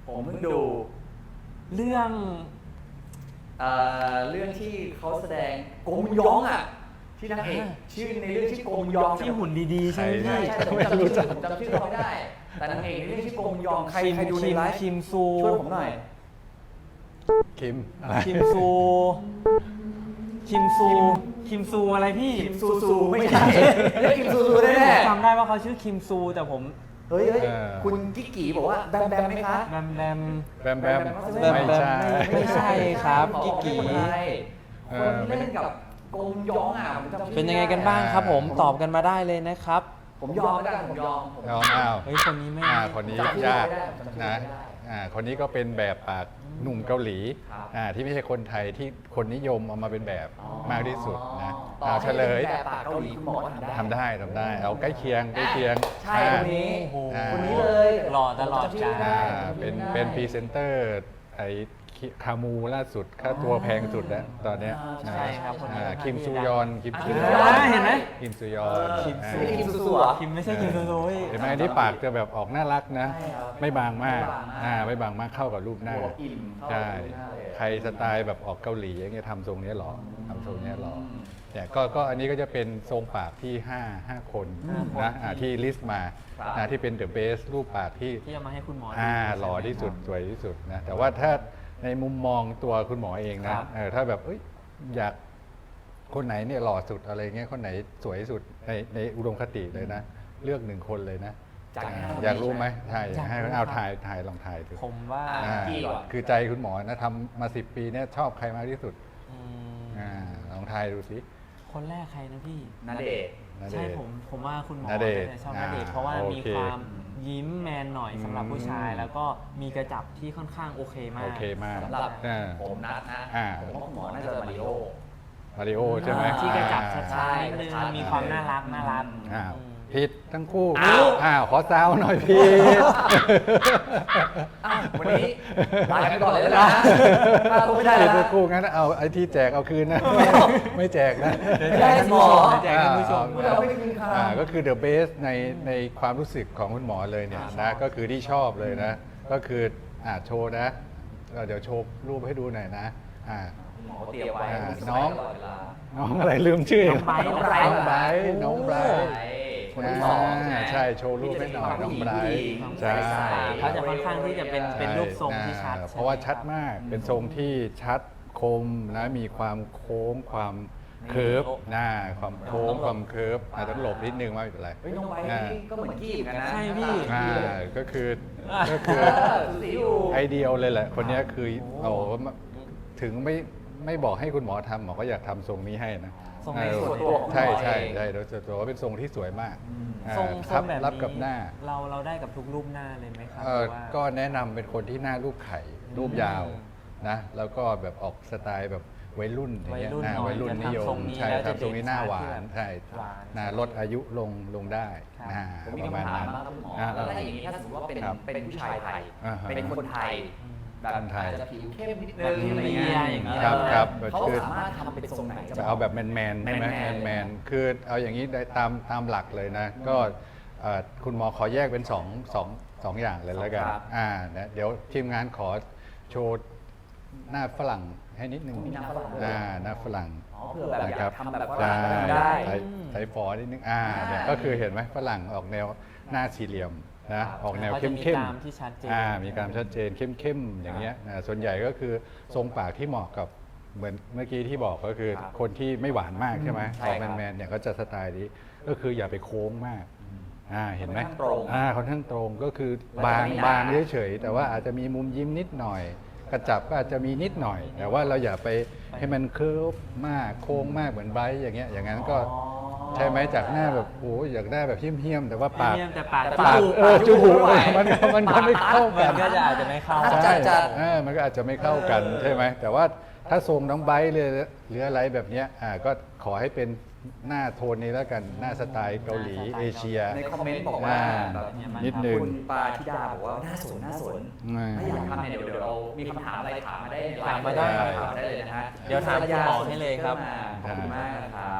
Speaker 2: ผมเพิ่งดู
Speaker 1: เรื่อง
Speaker 2: เอ่อเรื่องที่เขาแสดงกงยองอ่ะที่นางเอกชื่อในเรื่องชื่อกงยอง
Speaker 1: ที่หุ่นดีๆ ใช่ไหม
Speaker 2: ใช่
Speaker 1: พี่
Speaker 2: ใช่ผมจำชื่อผมจำชื่อเขาไม่ได้ แต่นางเอกในเรื่องชื่อกงยองใครใครดูในไลฟ์
Speaker 1: คิมซู
Speaker 2: ช่วยผมหน่อย
Speaker 3: คิมอะไร
Speaker 1: คิมซู คิมซู คิมซูอะไรพี่
Speaker 2: คิมซูซูไม่ใช่เรียกคิมซูซูแน่
Speaker 1: ผมจำได้ว่าเขาชื่อคิมซู แต่ผม
Speaker 2: ๆเฮ้ยเฮ้ยคุณกิ๊กกี้บอกว่าแบมแบมไหมคะ
Speaker 1: แบมแบม
Speaker 3: แบมแบม
Speaker 1: แบม
Speaker 3: ไม่
Speaker 1: แบม
Speaker 3: ใช่
Speaker 1: ไม่ใช่ครับกิ๊กกี้
Speaker 2: คนไทยคนที่เล่นกับกงยองอ่ะผมจำชื่อ
Speaker 1: เป็นยังไงกันบ้างครับผมตอบกันมาได้เลยนะครับ
Speaker 2: ผมยอมไม่ได้ผมยอมผม
Speaker 3: เอาอ้าว
Speaker 1: เฮ้ยคนนี้ไม่
Speaker 3: อ่าคนนี้
Speaker 2: จำชื่อย
Speaker 3: าก
Speaker 2: ไม่ได้ผมจำชื่อ
Speaker 3: นะ
Speaker 2: ไม่ได้
Speaker 3: อ่าคนนี้ก็เป็นแบบปากหนุ่มเกาหลี
Speaker 2: ครับ
Speaker 3: อ่าที่ไม่ใช่คนไทยที่คนนิยมเอามาเป็นแบบ
Speaker 2: อ๋อ
Speaker 3: มากที่สุดนะ
Speaker 2: ต่อ
Speaker 3: เอา
Speaker 2: ให้
Speaker 3: เฉลย
Speaker 2: แบบปากเกาหลีคุณหมอก็ทำได้
Speaker 3: ทำได้ทำได้เอาใกล้เคียงใกล้เคียง
Speaker 2: ใช่คนนี้
Speaker 1: โอ้โห
Speaker 3: อ่า
Speaker 2: คนนี้เลย
Speaker 1: หล่อตลอดกาล
Speaker 3: อ่าเป็นเป็นพรีเซนเตอร์ไอ้คามูล่าสุดค่าตัวแพงสุดแล้วตอนเนี้ย
Speaker 2: อ่า
Speaker 1: ใช่ครับคนนี้
Speaker 3: อ่า
Speaker 1: ค่อนข้าง
Speaker 3: คิม
Speaker 1: ที่
Speaker 3: ซู
Speaker 1: จะ
Speaker 3: ยอนคิม
Speaker 2: อ่า
Speaker 3: ซู
Speaker 2: คิม
Speaker 3: ย
Speaker 2: ซู
Speaker 3: อน
Speaker 2: ยอน
Speaker 1: เห็นไหม
Speaker 3: คิมซูยอน
Speaker 1: คิมซู
Speaker 3: อ่า
Speaker 2: คิมซูซูเหรอ
Speaker 1: คิมไม่ใช่คิมซูซูพี่
Speaker 3: เห็นไหมอันนี้ปากจะแบบออกน่ารักนะ
Speaker 2: ใช่ครับ
Speaker 3: ไม่บางมาก
Speaker 2: ไม่บางมาก
Speaker 3: อ่าไม่บางมากเข้ากับรูปหน้า
Speaker 2: หัวอิ่มเข้า
Speaker 3: ใช่
Speaker 2: กับหน้าเลย
Speaker 3: ใครสไตล์แบบออกเกาหลีอย่างเงี้ยทำทรงเนี้ยหรอทำทรงเนี้ยหรอ
Speaker 2: อืม
Speaker 3: เนี่ยก็ก็อันนี้ก็จะเป็นทรงปากที่ห้า ห้าคน
Speaker 1: ห้าคน
Speaker 3: นะอ่าที่ลิสต์มา
Speaker 2: ครับ
Speaker 3: นะที่เป็นเดอะเบสรูปปากที่
Speaker 1: ที่เอามาให้คุณหมอ
Speaker 3: อ่า
Speaker 1: ใช่ไม
Speaker 3: หล่อที่สุดสวยที่สุดนะแต่ว่าถ้าในมุมมองตัวคุณหมอเอง
Speaker 1: ครั
Speaker 3: นะ
Speaker 1: บ
Speaker 3: เออถ้าแบบเอ้ยอยากคนไหนเนี่ยหล่อสุดอะไรเงี้ยคนไหนสวยสุดในในอุดมคติเลยนะ เลือกหนึ่งคนเลยนะ
Speaker 2: จาก
Speaker 3: อ่า
Speaker 2: ห้าคน
Speaker 3: อยากรู้ไหมใช่อยากให้
Speaker 1: อยากรู้
Speaker 3: เอา
Speaker 1: ครับ
Speaker 3: ถ่ายถ่ายลองถ่ายดู
Speaker 1: ผมว่า
Speaker 2: อ่า
Speaker 3: อ่าคือใจคุณหมอนะทำมาสิบปีเนี่ยชอบใครมากที่สุด
Speaker 1: อืม
Speaker 3: อ่าลองทายดูสิ
Speaker 1: คนแรกใครนะพี่
Speaker 2: นาเดชน์
Speaker 3: ณเด
Speaker 1: ใช่
Speaker 3: ชน์
Speaker 1: ผมผมว่าคุณหมอ
Speaker 3: ณเดชน์
Speaker 1: น่าจะชอบ
Speaker 3: อ่า
Speaker 1: ณเดชน์เพราะว่า
Speaker 3: โอ
Speaker 1: มี
Speaker 3: เค
Speaker 1: ความยิ้มแมนหน่อยสำหรับผู้ชาย
Speaker 3: อืม
Speaker 1: แล้วก็มีกระจับที่ค่อนข้างโอเคมาก
Speaker 3: โอเคมาก
Speaker 2: สำหรับ
Speaker 3: อ่า
Speaker 2: ผมนัดนะ
Speaker 3: อ่า
Speaker 2: ผมว่าคุณหมอน่าจะมาริโอ
Speaker 3: มาริโอใช่ไหม
Speaker 1: ที่กระจับ
Speaker 3: อ่า
Speaker 1: ชัดๆนิดนึง
Speaker 2: ใช่
Speaker 1: มีความน่ารักน่ารัก
Speaker 3: อ้าว
Speaker 1: อืม
Speaker 3: ผิดทั้งคู่
Speaker 2: อ้าว
Speaker 3: อ้าวขอซาวหน่อยผิด
Speaker 2: อ้าววันนี้ลาไปก่อนเลยนะลาตัวไม่ได้
Speaker 3: ผิด
Speaker 2: แล้ว
Speaker 3: ทั้
Speaker 2: นะ
Speaker 3: งคู่งั้นเอาไอ้ที่แจกเอาคืนนะ ไม่แจกนะ
Speaker 1: เดี๋ยว
Speaker 2: ไม่
Speaker 1: แจ
Speaker 2: ได้
Speaker 1: กท่านผู้ชม
Speaker 2: หมอ
Speaker 1: เดี๋ยวแจกท่านผู้ชม
Speaker 2: เราไม่ได้กินข้าว
Speaker 3: อ่าก็คือ the best ในในความรู้สึกของคุณหมอเลยเนี่ยนะก็คือที่ชอบเลยนะ ก็คืออ่าโชว์นะเอ่อเดี๋ยวโชว์รูปให้ดูหน่อยนะอ่า
Speaker 2: หมอเตรียมไว้
Speaker 3: อ่า
Speaker 2: มีส
Speaker 3: น้
Speaker 2: มั
Speaker 3: อย ง
Speaker 2: ตลอดเวลา
Speaker 3: น้องอะไรลืมชื่อ
Speaker 1: น้องไบร์ท
Speaker 3: น้องไบร์ทน้องไบร์ทน้องไบร์ท
Speaker 2: คนที่สองใช่ไหม
Speaker 3: ใช่โชว์รูปให้หน่อยน้องไบรท์ใช่
Speaker 1: เขาจะค่อนข้างที่จะเป็นเป็นรูปทรงที่ชัด
Speaker 3: อ่า
Speaker 1: ใช่ไหม
Speaker 3: เพราะว่าชัด
Speaker 1: ครับ
Speaker 3: มาก เป็นทรงที่ชัดคมนะมีความโค้งความเคิร์ฟหน้าความโค้งความเคิร์ฟอาจจะต้องหลบนิดนึงว่าไม่เป็นไร
Speaker 2: เฮ้ยน้องไบร์ทนี่ก็เหมือนกี้เหมือนกันนะ
Speaker 1: ใช่พี่
Speaker 3: อ่าก็คือ
Speaker 1: อ่า
Speaker 3: ก็คือ
Speaker 2: เออสูสีอยู่
Speaker 3: ไอเดียเลยแหละ คนเนี้ยคือเอาถึงไม่ไม่บอกให้คุณหมอทำหมอก็อยากทำทรงนี้ให้นะ
Speaker 1: ทรง
Speaker 3: เอ
Speaker 1: ใน
Speaker 3: อ
Speaker 1: ส่วน
Speaker 2: ตัวของ
Speaker 3: ใช่
Speaker 2: หมอ
Speaker 3: ใช่
Speaker 2: เอง
Speaker 3: ใช่โดยส่วนตัวว่าเป็นทรงที่สวยมากอ่า
Speaker 1: ทรงท
Speaker 3: ค
Speaker 1: ร
Speaker 3: รั
Speaker 1: งแบบ
Speaker 3: รับ
Speaker 1: นี้
Speaker 3: กับหน้า
Speaker 1: เราเราได้กับทุกรูปหน้าเลยไหมครับ
Speaker 3: เอ่อ
Speaker 1: หรือว่า
Speaker 3: ก็แนะนำเป็นคนที่หน้ารูปไข่รูปยาวนะแล้วก็แบบออกสไตล์แบบวัยรุ่นอย่างเงี้ย
Speaker 1: วัยรุ่น
Speaker 3: อ่า
Speaker 1: หน่อย
Speaker 3: วัยรุ่น
Speaker 1: จะ
Speaker 3: นิย
Speaker 1: ทำทร
Speaker 3: ม
Speaker 1: งนี้
Speaker 3: ใช่
Speaker 1: แล้ว
Speaker 3: ครั
Speaker 1: จะ
Speaker 3: บทรงนี้หน้าหวา
Speaker 1: เด่
Speaker 3: น
Speaker 1: นชัด
Speaker 3: ใช่
Speaker 1: หวาน
Speaker 3: นะลดอายุลงลงได้
Speaker 1: ครับ
Speaker 3: อ่า
Speaker 2: ผมมี
Speaker 3: ประมาณ
Speaker 2: คำถาม
Speaker 3: นั้น
Speaker 2: มากครับคุณหมอ
Speaker 3: อ่า
Speaker 2: แล้วถ้าอย่างนี้ถ้าสมมติว่าเป็น
Speaker 3: ครับ
Speaker 2: เป็นผู้ชายไทย
Speaker 3: อ่าฮะ
Speaker 2: เป็นคนไทย แบบ
Speaker 3: คนไทย
Speaker 2: อาจจะผิวเข้มนิด
Speaker 1: แบ
Speaker 2: นึ
Speaker 1: บ
Speaker 2: งอะไรเงี้
Speaker 1: เมีย
Speaker 2: ย
Speaker 1: อย่างเงี้ย
Speaker 3: ครับครับ
Speaker 2: เขา
Speaker 3: คือ
Speaker 2: สามารถทำเป็นทรงไหน
Speaker 3: จะเอาแบบแมนแมนๆใช่ไหม
Speaker 2: แม
Speaker 3: แม
Speaker 2: น
Speaker 3: น
Speaker 2: ๆ
Speaker 3: แมนๆคือเอาอย่างนี้ได้ตามตามหลักเลยนะ ก็เอ่อคุณหมอขอแยกเป็นสองสองสองอย่างเลยแล้วกัน
Speaker 2: ครับ
Speaker 3: อ่านะเดี๋ยวทีมงานขอโชว์หน้าฝรั่งให้นิดนึง
Speaker 2: มีหน้าฝรั่งด้วย
Speaker 3: อ่าหน้าฝรั่ง
Speaker 2: อ๋อเผื่อแบบอยากทำแบบฝ
Speaker 3: ใช่
Speaker 2: รั่งก็ทำได้
Speaker 3: ใช้ใช้ฟอนิดนึงอ่าเนี่ยก็คือเห็นไหมฝรั่งออกแนวหน้าสี่เหลี่ยมนะออกแนว
Speaker 1: เขา
Speaker 3: เข้
Speaker 1: จะ
Speaker 3: ม
Speaker 1: มี
Speaker 3: เข้ม
Speaker 1: กรามที่ชัดเจน
Speaker 3: อ่ามีกรามชัดเจนเข้มเข้มๆอย่างเงี้ยนะส่วนใหญ่ก็คือทรงปากที่เหมาะกับเหมือนเมื่อกี้ที่บอกก็คือ
Speaker 2: ครับ
Speaker 3: คนที่ไม่หวานมากใช่ไหม
Speaker 2: ใช่
Speaker 3: ออก
Speaker 2: ครับ
Speaker 3: แมนๆเนี่ยก็จะสไตล์นี้ก็คืออย่าไปโค้งมากอ่าเห็นไหม
Speaker 2: ค่อนข้างตรง
Speaker 3: อ่าค่อนข้างตรงก็คือ
Speaker 2: มัน
Speaker 3: บา
Speaker 2: จะ
Speaker 3: ง
Speaker 2: ไม่หนา
Speaker 3: บางเฉยๆแต่ว่าอาจจะมีมุมยิ้มนิดหน่อย กระจับก็อาจจะมีนิดหน่อย แต่ว่าเราอย่าไปให้มันเคิร์ฟมากโค้งมากเหมือนไบรท์อย่างเงี้ยอย่างนั้นก็
Speaker 2: อ๋อ
Speaker 3: ใช่ไหมจากหน้าแบบโอ้ยอยากได้แบบเหี้ยมๆแต่ว่าปาก
Speaker 1: เยี่ยมแต่ปาก
Speaker 2: แต่
Speaker 1: จ
Speaker 3: ปาก
Speaker 1: มูก
Speaker 3: เออจมูก
Speaker 2: ไม่ไหว
Speaker 3: มันก็มันก็ไม่เข้า
Speaker 1: มั
Speaker 3: กัน น
Speaker 1: ก็จะอาจจะไม่เข้า
Speaker 2: จั
Speaker 3: ใช่
Speaker 2: ดจัด
Speaker 3: เออมันก็อาจจะไม่เข้ากันใช่ไหมแต่ว่าถ้าทรงน้องไบร์ทเลยหรืออะไรแบบเนี้ยอ่าก็ขอให้เป็นหน้าโทนนี้แล้วกันหน้าสไตล์เกาหลี
Speaker 1: หน้าสไตล์
Speaker 3: เอเชีย
Speaker 2: ในคอมเมนต์บอกว่า
Speaker 3: อ่า
Speaker 2: แบบ
Speaker 3: นิดนึง
Speaker 2: คุณปาธิดาบอกว่าน่าสนน่าสน
Speaker 3: อ่า
Speaker 2: ถ้าอยากทำเนี่ยเดี๋ยวเดี๋ยวเรามีคำถามอะไรถามมาได้ในไลน์
Speaker 1: ถามมาได้
Speaker 2: ถามมาได้เลยนะฮะ
Speaker 1: เดี๋ยวถามคุณหมอให้เลยครับ
Speaker 2: ขอบคุณมากนะครับ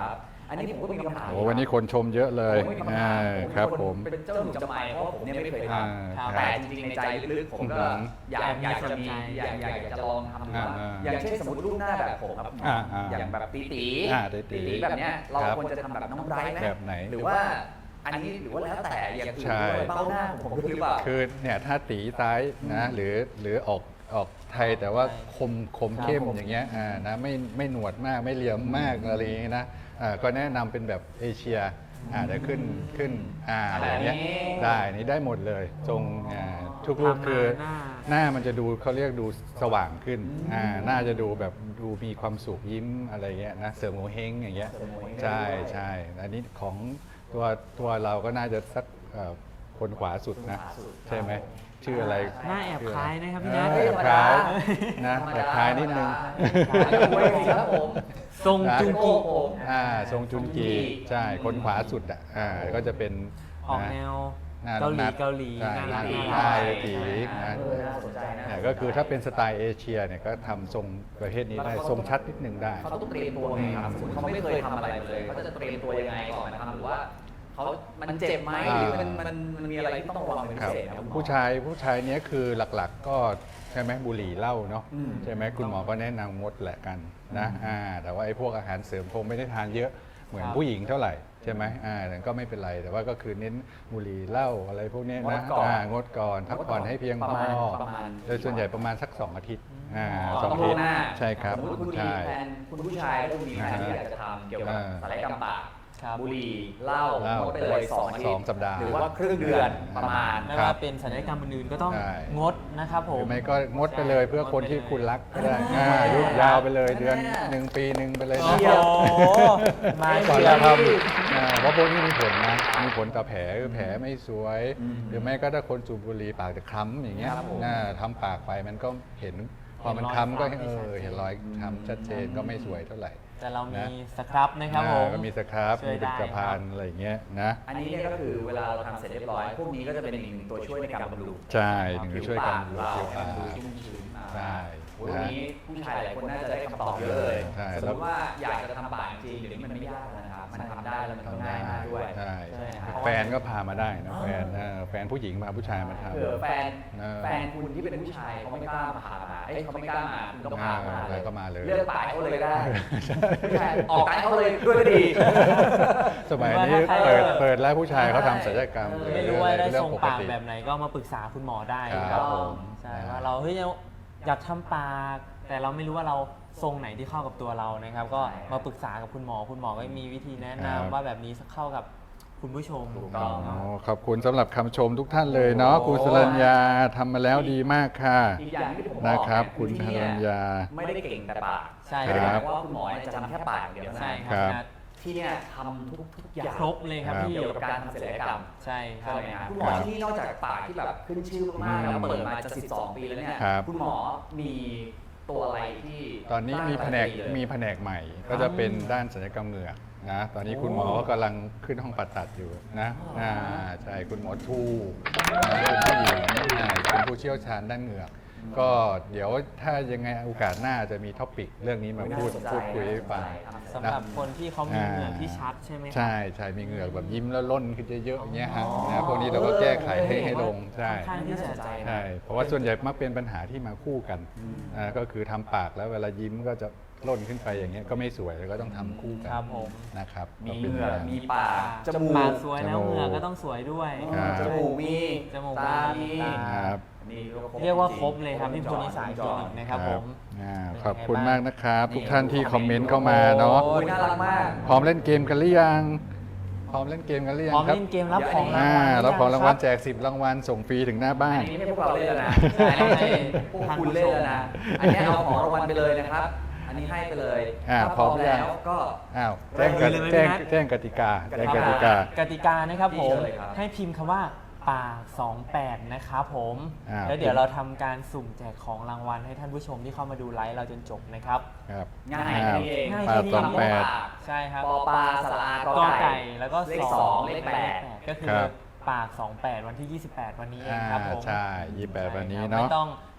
Speaker 2: อันนี้ผมก็มีคำถาม
Speaker 3: โอ้วันนี้คนชมเยอะเลย
Speaker 2: ผมก็มีคำ
Speaker 3: อ่า
Speaker 2: ถาม
Speaker 3: ครับผม
Speaker 2: เป็นเจ้าหนุ่มจำไม่เพราะว่าผมเนี่ยไม่เคยท
Speaker 3: อ่า
Speaker 2: ำ
Speaker 3: ครับ
Speaker 2: แต่จริงๆในใจลึกๆผมก็
Speaker 3: อืม
Speaker 2: อยากอยากจะมีอยากอยากจะลองทำดูว่า
Speaker 3: อ่า
Speaker 2: อย่างเช่นสมมติรูปหน้าแบบผมครับ
Speaker 3: อ่าอ่า
Speaker 2: อย่างแบบตีตี
Speaker 3: อ่าตีตี
Speaker 2: ตีแบบเนี้ยเรา
Speaker 3: ครับ
Speaker 2: ควรจะทำแบบน้องไบรท์ไหม
Speaker 3: แบบไหน
Speaker 2: หรือว่าอันนี้หรือว่าแล้วแต่อย่างอื่น
Speaker 3: ใช่
Speaker 2: ด้วยเบ้าหน้าของผมด้วยหรือเปล่า
Speaker 3: คือเนี่ยถ้าตีซ้ายนะหรือหรือออกออกไทยแต่ว่าคมคมเข้ม
Speaker 1: ครับผม
Speaker 3: อย่างเงี้ยอ่านะไม่ไม่หนวดมากไม่เหลี่ยมมากอะไรอย่างเงี้ยนะอ่าก็แนะนำเป็นแบบเอเชียอ่าเดี๋ยวขึ้นขึ้นอ่าอะไรอย่างเงี้ย
Speaker 2: แบบนี้
Speaker 3: ได้นี่ได้หมดเลยทรงอ่าทุกรูป
Speaker 1: ทำมา
Speaker 3: คือ
Speaker 1: หน้า
Speaker 3: หน้ามันจะดูเขาเรียกดูสว่างขึ้นอ่าหน้าจะดูแบบดูมีความสุขยิ้มอะไรเงี้ยนะเสริมโงเฮงอย่างเงี้ย
Speaker 2: เสริมโงเห้ง
Speaker 3: ใช่ใช่อันนี้ของตัวตัวเราก็น่าจะสักเอ่อคนขวาสุดนะ
Speaker 2: คนขวาสุด
Speaker 3: ใช่ไหมชื่ออะไร
Speaker 1: หน้าแอบคล้ายนะครับพี่
Speaker 3: เอ
Speaker 1: นัท
Speaker 3: อแอบคล้ายนะ
Speaker 2: ธรรม
Speaker 3: แอ
Speaker 2: ดา
Speaker 3: บคล้ายนิดนึง
Speaker 2: ธรรมดาครับผม
Speaker 1: ทรงจุงกิ
Speaker 2: ผม
Speaker 3: อ่าทรงจุนกีใช่คนขวาสุดอ่ะอ่าก็จะเป็น
Speaker 1: ออก
Speaker 3: นะ
Speaker 1: แนว
Speaker 3: หน้า
Speaker 1: เกาหลี
Speaker 3: นัด
Speaker 1: เกาหลี
Speaker 3: ใช่
Speaker 1: น่ารัก
Speaker 3: ใช่
Speaker 1: น่ารัก
Speaker 3: ตีนะ
Speaker 2: เออน่าสนใจนะ
Speaker 3: เนี่ยก็คือถ้าเป็นสไตล์เอเชียเนี่ยก็ทำทรงประเภทนี้ได้ทรงชัดนิดนึงได้
Speaker 2: เขาต้องเตรียมตัวไงครับสมมติเขาไม่เคยทำอะไรเลยเขาจะเตรียมตัวยังไงก่อนนะครับหรือว่าเขามันเจ็บไหมหรือมันมันมันมีอะไรที่ต้องระวังเป็น
Speaker 3: ค
Speaker 2: พิ
Speaker 3: รับ
Speaker 2: เศษครับ
Speaker 3: ผู้ชายผู้ชายเนี้ยคือหลักๆ ก็ใช่ไหมบุหรี่เหล้าเนาะ
Speaker 2: อืม
Speaker 3: ใช่ไหมคุณหมอก็แนะนำงดแหละกันนะอ่าแต่ว่าไอ้พวกอาหารเสริมคงไม่ได้ทานเยอะเหมือน
Speaker 1: ครับ
Speaker 3: ผู้หญิงเท่าไหร่ใช่ไหมอ่าแต่ก็ไม่เป็นไรแต่ว่าก็คือเน้นบุหรี่เหล้าอะไรพวกเนี้ยนะ
Speaker 2: งดก่อน
Speaker 3: อ่างดก่อนพักผ่อนให้เพียง
Speaker 2: ป
Speaker 3: พ
Speaker 2: ระ
Speaker 3: อ
Speaker 2: มาณประมาณ
Speaker 3: โดยส่วนใหญ่ประมาณสักสองอาทิตย์อ่า
Speaker 2: อ๋อ
Speaker 3: สอง
Speaker 2: ต้อง
Speaker 3: อาทิ
Speaker 2: ล่ว
Speaker 3: ต
Speaker 2: ง
Speaker 3: ย์
Speaker 2: หน้า
Speaker 3: ใช่ครับ
Speaker 2: สมมติคุณมี
Speaker 3: ใช่
Speaker 2: แฟนคุณผู้ชายแล้วคุณมีแฟนที่อยากจะทำเกี่ยวกับ
Speaker 3: อ่า
Speaker 2: ศัลยกรรมปาก
Speaker 1: ครับ
Speaker 2: บุหรี่เหล้า
Speaker 3: เหล้าง
Speaker 2: ดไปเลยสองอาทิตย์
Speaker 3: สองสัปดาห์
Speaker 2: หรือว่าครึ่งเดือนประมาณ
Speaker 1: ไม่
Speaker 3: ครั
Speaker 1: ว่า
Speaker 3: บ
Speaker 1: เป็นศัลยกรรมอื่นๆก็ต้อง
Speaker 3: ใช่
Speaker 1: งดนะครับผ
Speaker 3: ห
Speaker 1: ม
Speaker 3: รือไม่ก็งดไปเลยเพื่อคนที่คุณรักก็ได้อ่ายุบยาวไปเลยเดือนหนึ่งปีหนึ่งไปเลย
Speaker 1: โอ้
Speaker 3: นะ
Speaker 1: โหมา
Speaker 3: ก่อน
Speaker 1: เชีย
Speaker 3: จะ
Speaker 1: ร์
Speaker 3: ทำอ่าเพราะพวกนี้มีผลนะ มีผลต่อแผลคือแผลไม่สวย
Speaker 2: อืม
Speaker 3: หรือไม่ก็ถ้าคนสูบบุหรี่ปากจะคล้ำอย่างเงี้ย
Speaker 2: ครับผม
Speaker 3: น่าทำปากไปมันก็เห็นพอมันคล้ำก็เออเห็นรอยคล้ำชัดเจนก็ไม่สวยเท่าไหร่
Speaker 1: แต่เรามี
Speaker 3: นะ
Speaker 1: สครับนะครับผ
Speaker 3: อ่าม ก็มีสครับ
Speaker 1: ช่วย
Speaker 3: มีผลิต
Speaker 1: ได้
Speaker 3: ภัณฑ์อะไรอย่างเงี้ยนะ
Speaker 2: อันนี้เนี่ยก็คือเวลาเราทำเสร็จเรียบร้อย พวกนี้ก็จะเป็นอีกหนึ่งตัวช่วยในการบำรุง
Speaker 3: ใช่ถึงจะช่วยกัน
Speaker 2: ผิ
Speaker 3: ดู
Speaker 2: วปาก
Speaker 3: ผิว
Speaker 2: เรา
Speaker 3: ปาก
Speaker 2: ให้มันดูชุ่มชื้นอ่า
Speaker 3: ใช่
Speaker 2: โอ้ยวันนี้ผู้ชายหลายคนน่าจะได้คำตอบเยอะเลย
Speaker 3: ใช่
Speaker 2: สมมติว่าอยากจะทำปากจริงเดี๋ยวนี้มันไม่ยากแล้วนะครับ มันทำได้แล้วมันก็
Speaker 3: ทำ
Speaker 2: ง่า
Speaker 3: ได้
Speaker 2: ยมากด้วย
Speaker 3: ใช่
Speaker 2: ใช่ไหมครับ
Speaker 3: แฟนก็พามาได้นะแฟนเออแฟนผู้หญิงพาผู้ชายมาทำ
Speaker 2: เผื่อแฟน
Speaker 3: เออ
Speaker 2: แฟนคุณที่เป็นผู้ชายเขาไม่กล้ามาหาเอ้ยเขาไม่กล้ามาคุณก็พามา
Speaker 3: เออก็มาเลย
Speaker 2: เลือกปากเขาเลยก็ได้ผู้ชายออกปากเขาเลยด้วยก็ดี
Speaker 3: สมัยนี้เปิดเปิดแล้วผู้ชายเขาทำศัลยกรรม
Speaker 2: เออ
Speaker 1: ไม่รู้ว่าได้
Speaker 3: เรื่
Speaker 1: ทรง
Speaker 3: ปก
Speaker 1: ปาก
Speaker 3: ติ
Speaker 1: แบบไหนก็มาปรึกษาคุณหมอได้
Speaker 3: ครับ
Speaker 1: ครับ
Speaker 3: ผม
Speaker 1: ใช่ว่าเราเฮ้ยอยากทำปาก แต่เราไม่รู้ว่าเราทรงไหนที่เข้ากับตัวเรานะครับ ก็
Speaker 2: ใช่ครับ
Speaker 1: มาปรึกษากับคุณหมอคุณหมอก็มีวิธีแนะ
Speaker 3: ครับ
Speaker 1: นำว่าแบบนี้เข้ากับคุณผู้ชม
Speaker 2: ถูกต้อง
Speaker 3: อ๋อขอบคุณสำหรับคำชมทุกท่านเลยเนาะคุณสรัญญาทำมาแล้วดีมากค่ะ
Speaker 2: อีกอย่างที่ผมบอก
Speaker 3: นะครับ
Speaker 2: เย
Speaker 3: คุณ
Speaker 2: ที่
Speaker 3: สรัญญา
Speaker 2: ไม่ได้เก่งแต่ปาก
Speaker 1: ใช่
Speaker 2: ไม่ได้
Speaker 3: ครับ
Speaker 2: หมายว่าคุณหมอเนี่ยจะทำแค่ปากอย่างเดียวนะ
Speaker 1: ใช่ค
Speaker 3: ครั
Speaker 1: รับบ พี่นัท
Speaker 2: ที่เนี่ยทำทุกทุกอย่าง
Speaker 1: ครบเลยครับพี่
Speaker 2: เกี่ยวกับการทำศัลยกรรม
Speaker 1: ใช่ครั
Speaker 2: ใช่
Speaker 1: บ
Speaker 2: ไหมครับคุณหมอที่นี่นอกจากปากที่แบบขึ้นชื่อมากๆแล้วเปิดมาจะสิบสองปีแล้วเนี่ย
Speaker 3: ครับ
Speaker 2: คุณหมอมีตัวอะไรที่
Speaker 3: ตอนนี้มีแผนก
Speaker 2: สร้าง
Speaker 3: มี
Speaker 2: รายได้
Speaker 3: แผนกใหม่ ก็จะเป็นด้านศัลยกรรมเหงือกนะตอนนี้คุณหมอก็กำลังขึ้นห้องผ่าตัดอยู่นะอ่าใช่คุณหมอทูนะเป็นผู้หญิงอ่าเป็นผู้เชี่ยวชาญด้านเหงือก ก็เดี๋ยวถ้ายังไงโอกาสหน้าจะมีท็อปิกเรื่องนี้มาพูด
Speaker 2: น่าสนใจ
Speaker 3: พูดคุยให้ฟัง
Speaker 1: สำหรับคนที่เขามีเหงื่อที่ชัดใช่ไหมครับ
Speaker 3: ใช่ใช่มีเหงือกแบบยิ้มแล้วล่นขึ้นเยอะๆอย่างเงี้ยฮะนะพวกนี้เราก็แก้ไขให้ให้ลงใช่
Speaker 1: ค่อนข้างที่จะ
Speaker 3: ใช่เพราะว่าส่วนใหญ่มักเป็นปัญหาที่มาคู่กันอ่าก็คือทำปากแล้วเวลายิ้มก็จะล่นขึ้นไปอย่างเงี้ยก็ไม่สวยแล้วก็ต้องทำคู่กัน
Speaker 1: ครับผม
Speaker 3: นะครับ
Speaker 2: มี
Speaker 3: ก็
Speaker 2: เห
Speaker 3: ป็น
Speaker 2: งือก
Speaker 3: ย่าง
Speaker 2: มีปากจมู
Speaker 1: ปาก
Speaker 2: ก
Speaker 1: สวยแล้ว
Speaker 3: จมูก
Speaker 1: เหงื่อก็ต้องสวยด้วย
Speaker 3: ครับ
Speaker 2: จมูกมี
Speaker 1: จมูก
Speaker 2: ตา
Speaker 1: มี
Speaker 2: มี
Speaker 1: ตา
Speaker 3: ครับ
Speaker 2: นี่
Speaker 1: เรียกว่าครบเลยครับที่พูนิสายคลินิกนะครับผม
Speaker 3: อ่า
Speaker 1: เป็นไง
Speaker 3: ขอบคุณ
Speaker 1: บ้าง
Speaker 3: มากนะครับ ทุกท่านที่คอมเมนต์เข้ามาเนาะ
Speaker 2: โอ้ยน่ารักมาก
Speaker 3: พร้อมเล่นเกมกันหรือยังพร้อมเล่นเกมกันหรือยั
Speaker 1: พร้อง ม
Speaker 3: ครับ
Speaker 1: เล่นเกมรับของราง
Speaker 3: อ่า
Speaker 1: วัล
Speaker 3: รับของรางวัล
Speaker 1: ห
Speaker 3: แจกสิบรางวัลส่งฟรีถึงหน้าบ้า
Speaker 2: อั
Speaker 3: น
Speaker 2: นนี้ไม่พวกเราเล่นแล้วนะ
Speaker 1: ใช่ให้
Speaker 2: พวกคุณเล่นแล้วนะ อันนี้เอาของรางวัลไปเลยนะครับ อันนี้ให้ไปเลย
Speaker 3: อ่า
Speaker 2: ถ้า
Speaker 3: พร้อม
Speaker 2: แล้วก็
Speaker 3: อ้าวแจ้งก
Speaker 1: เลย
Speaker 3: ติ
Speaker 1: ไหม
Speaker 3: แจ้ง
Speaker 1: พี่นัท
Speaker 3: แจ้งกติกาแจ้งกติกา
Speaker 1: กติกานะครับผม
Speaker 2: นี่เชิญเลยครับ
Speaker 1: ให้พิมพ์คำว่าปากสองแปดนะครับผม
Speaker 3: อ่า
Speaker 1: แล้วเดี๋ยวเราทำการสุ่มแจกของรางวัลให้ท่านผู้ชมที่เข้ามาดูไลฟ์เราจนจบนะครับ
Speaker 3: ครับ
Speaker 2: ง่าย
Speaker 3: อ้าว
Speaker 2: นี่เอง
Speaker 1: ง่าย
Speaker 3: ปาก
Speaker 1: แค่นี้
Speaker 3: สองแปด
Speaker 1: ใช่ครับ
Speaker 2: ปอปลาสระอาก
Speaker 1: ก
Speaker 2: อ
Speaker 1: อ
Speaker 2: ไก่
Speaker 1: ไก่แล้วก็
Speaker 2: เลข
Speaker 1: ส
Speaker 2: ส
Speaker 1: อ
Speaker 2: อง ง
Speaker 1: เล
Speaker 2: เล
Speaker 1: ข
Speaker 2: ข
Speaker 1: แป
Speaker 2: แป
Speaker 1: ด
Speaker 2: ด
Speaker 1: ก็คือ
Speaker 3: ครับ
Speaker 1: ปากสองแปดวันที่ยี่สิบแปดวันนี้เอง
Speaker 3: อ่า
Speaker 1: ครับผม
Speaker 3: ใช่ยี่สิบแปดวันนี้
Speaker 1: ไม่
Speaker 3: เนาะ
Speaker 1: ต้องโท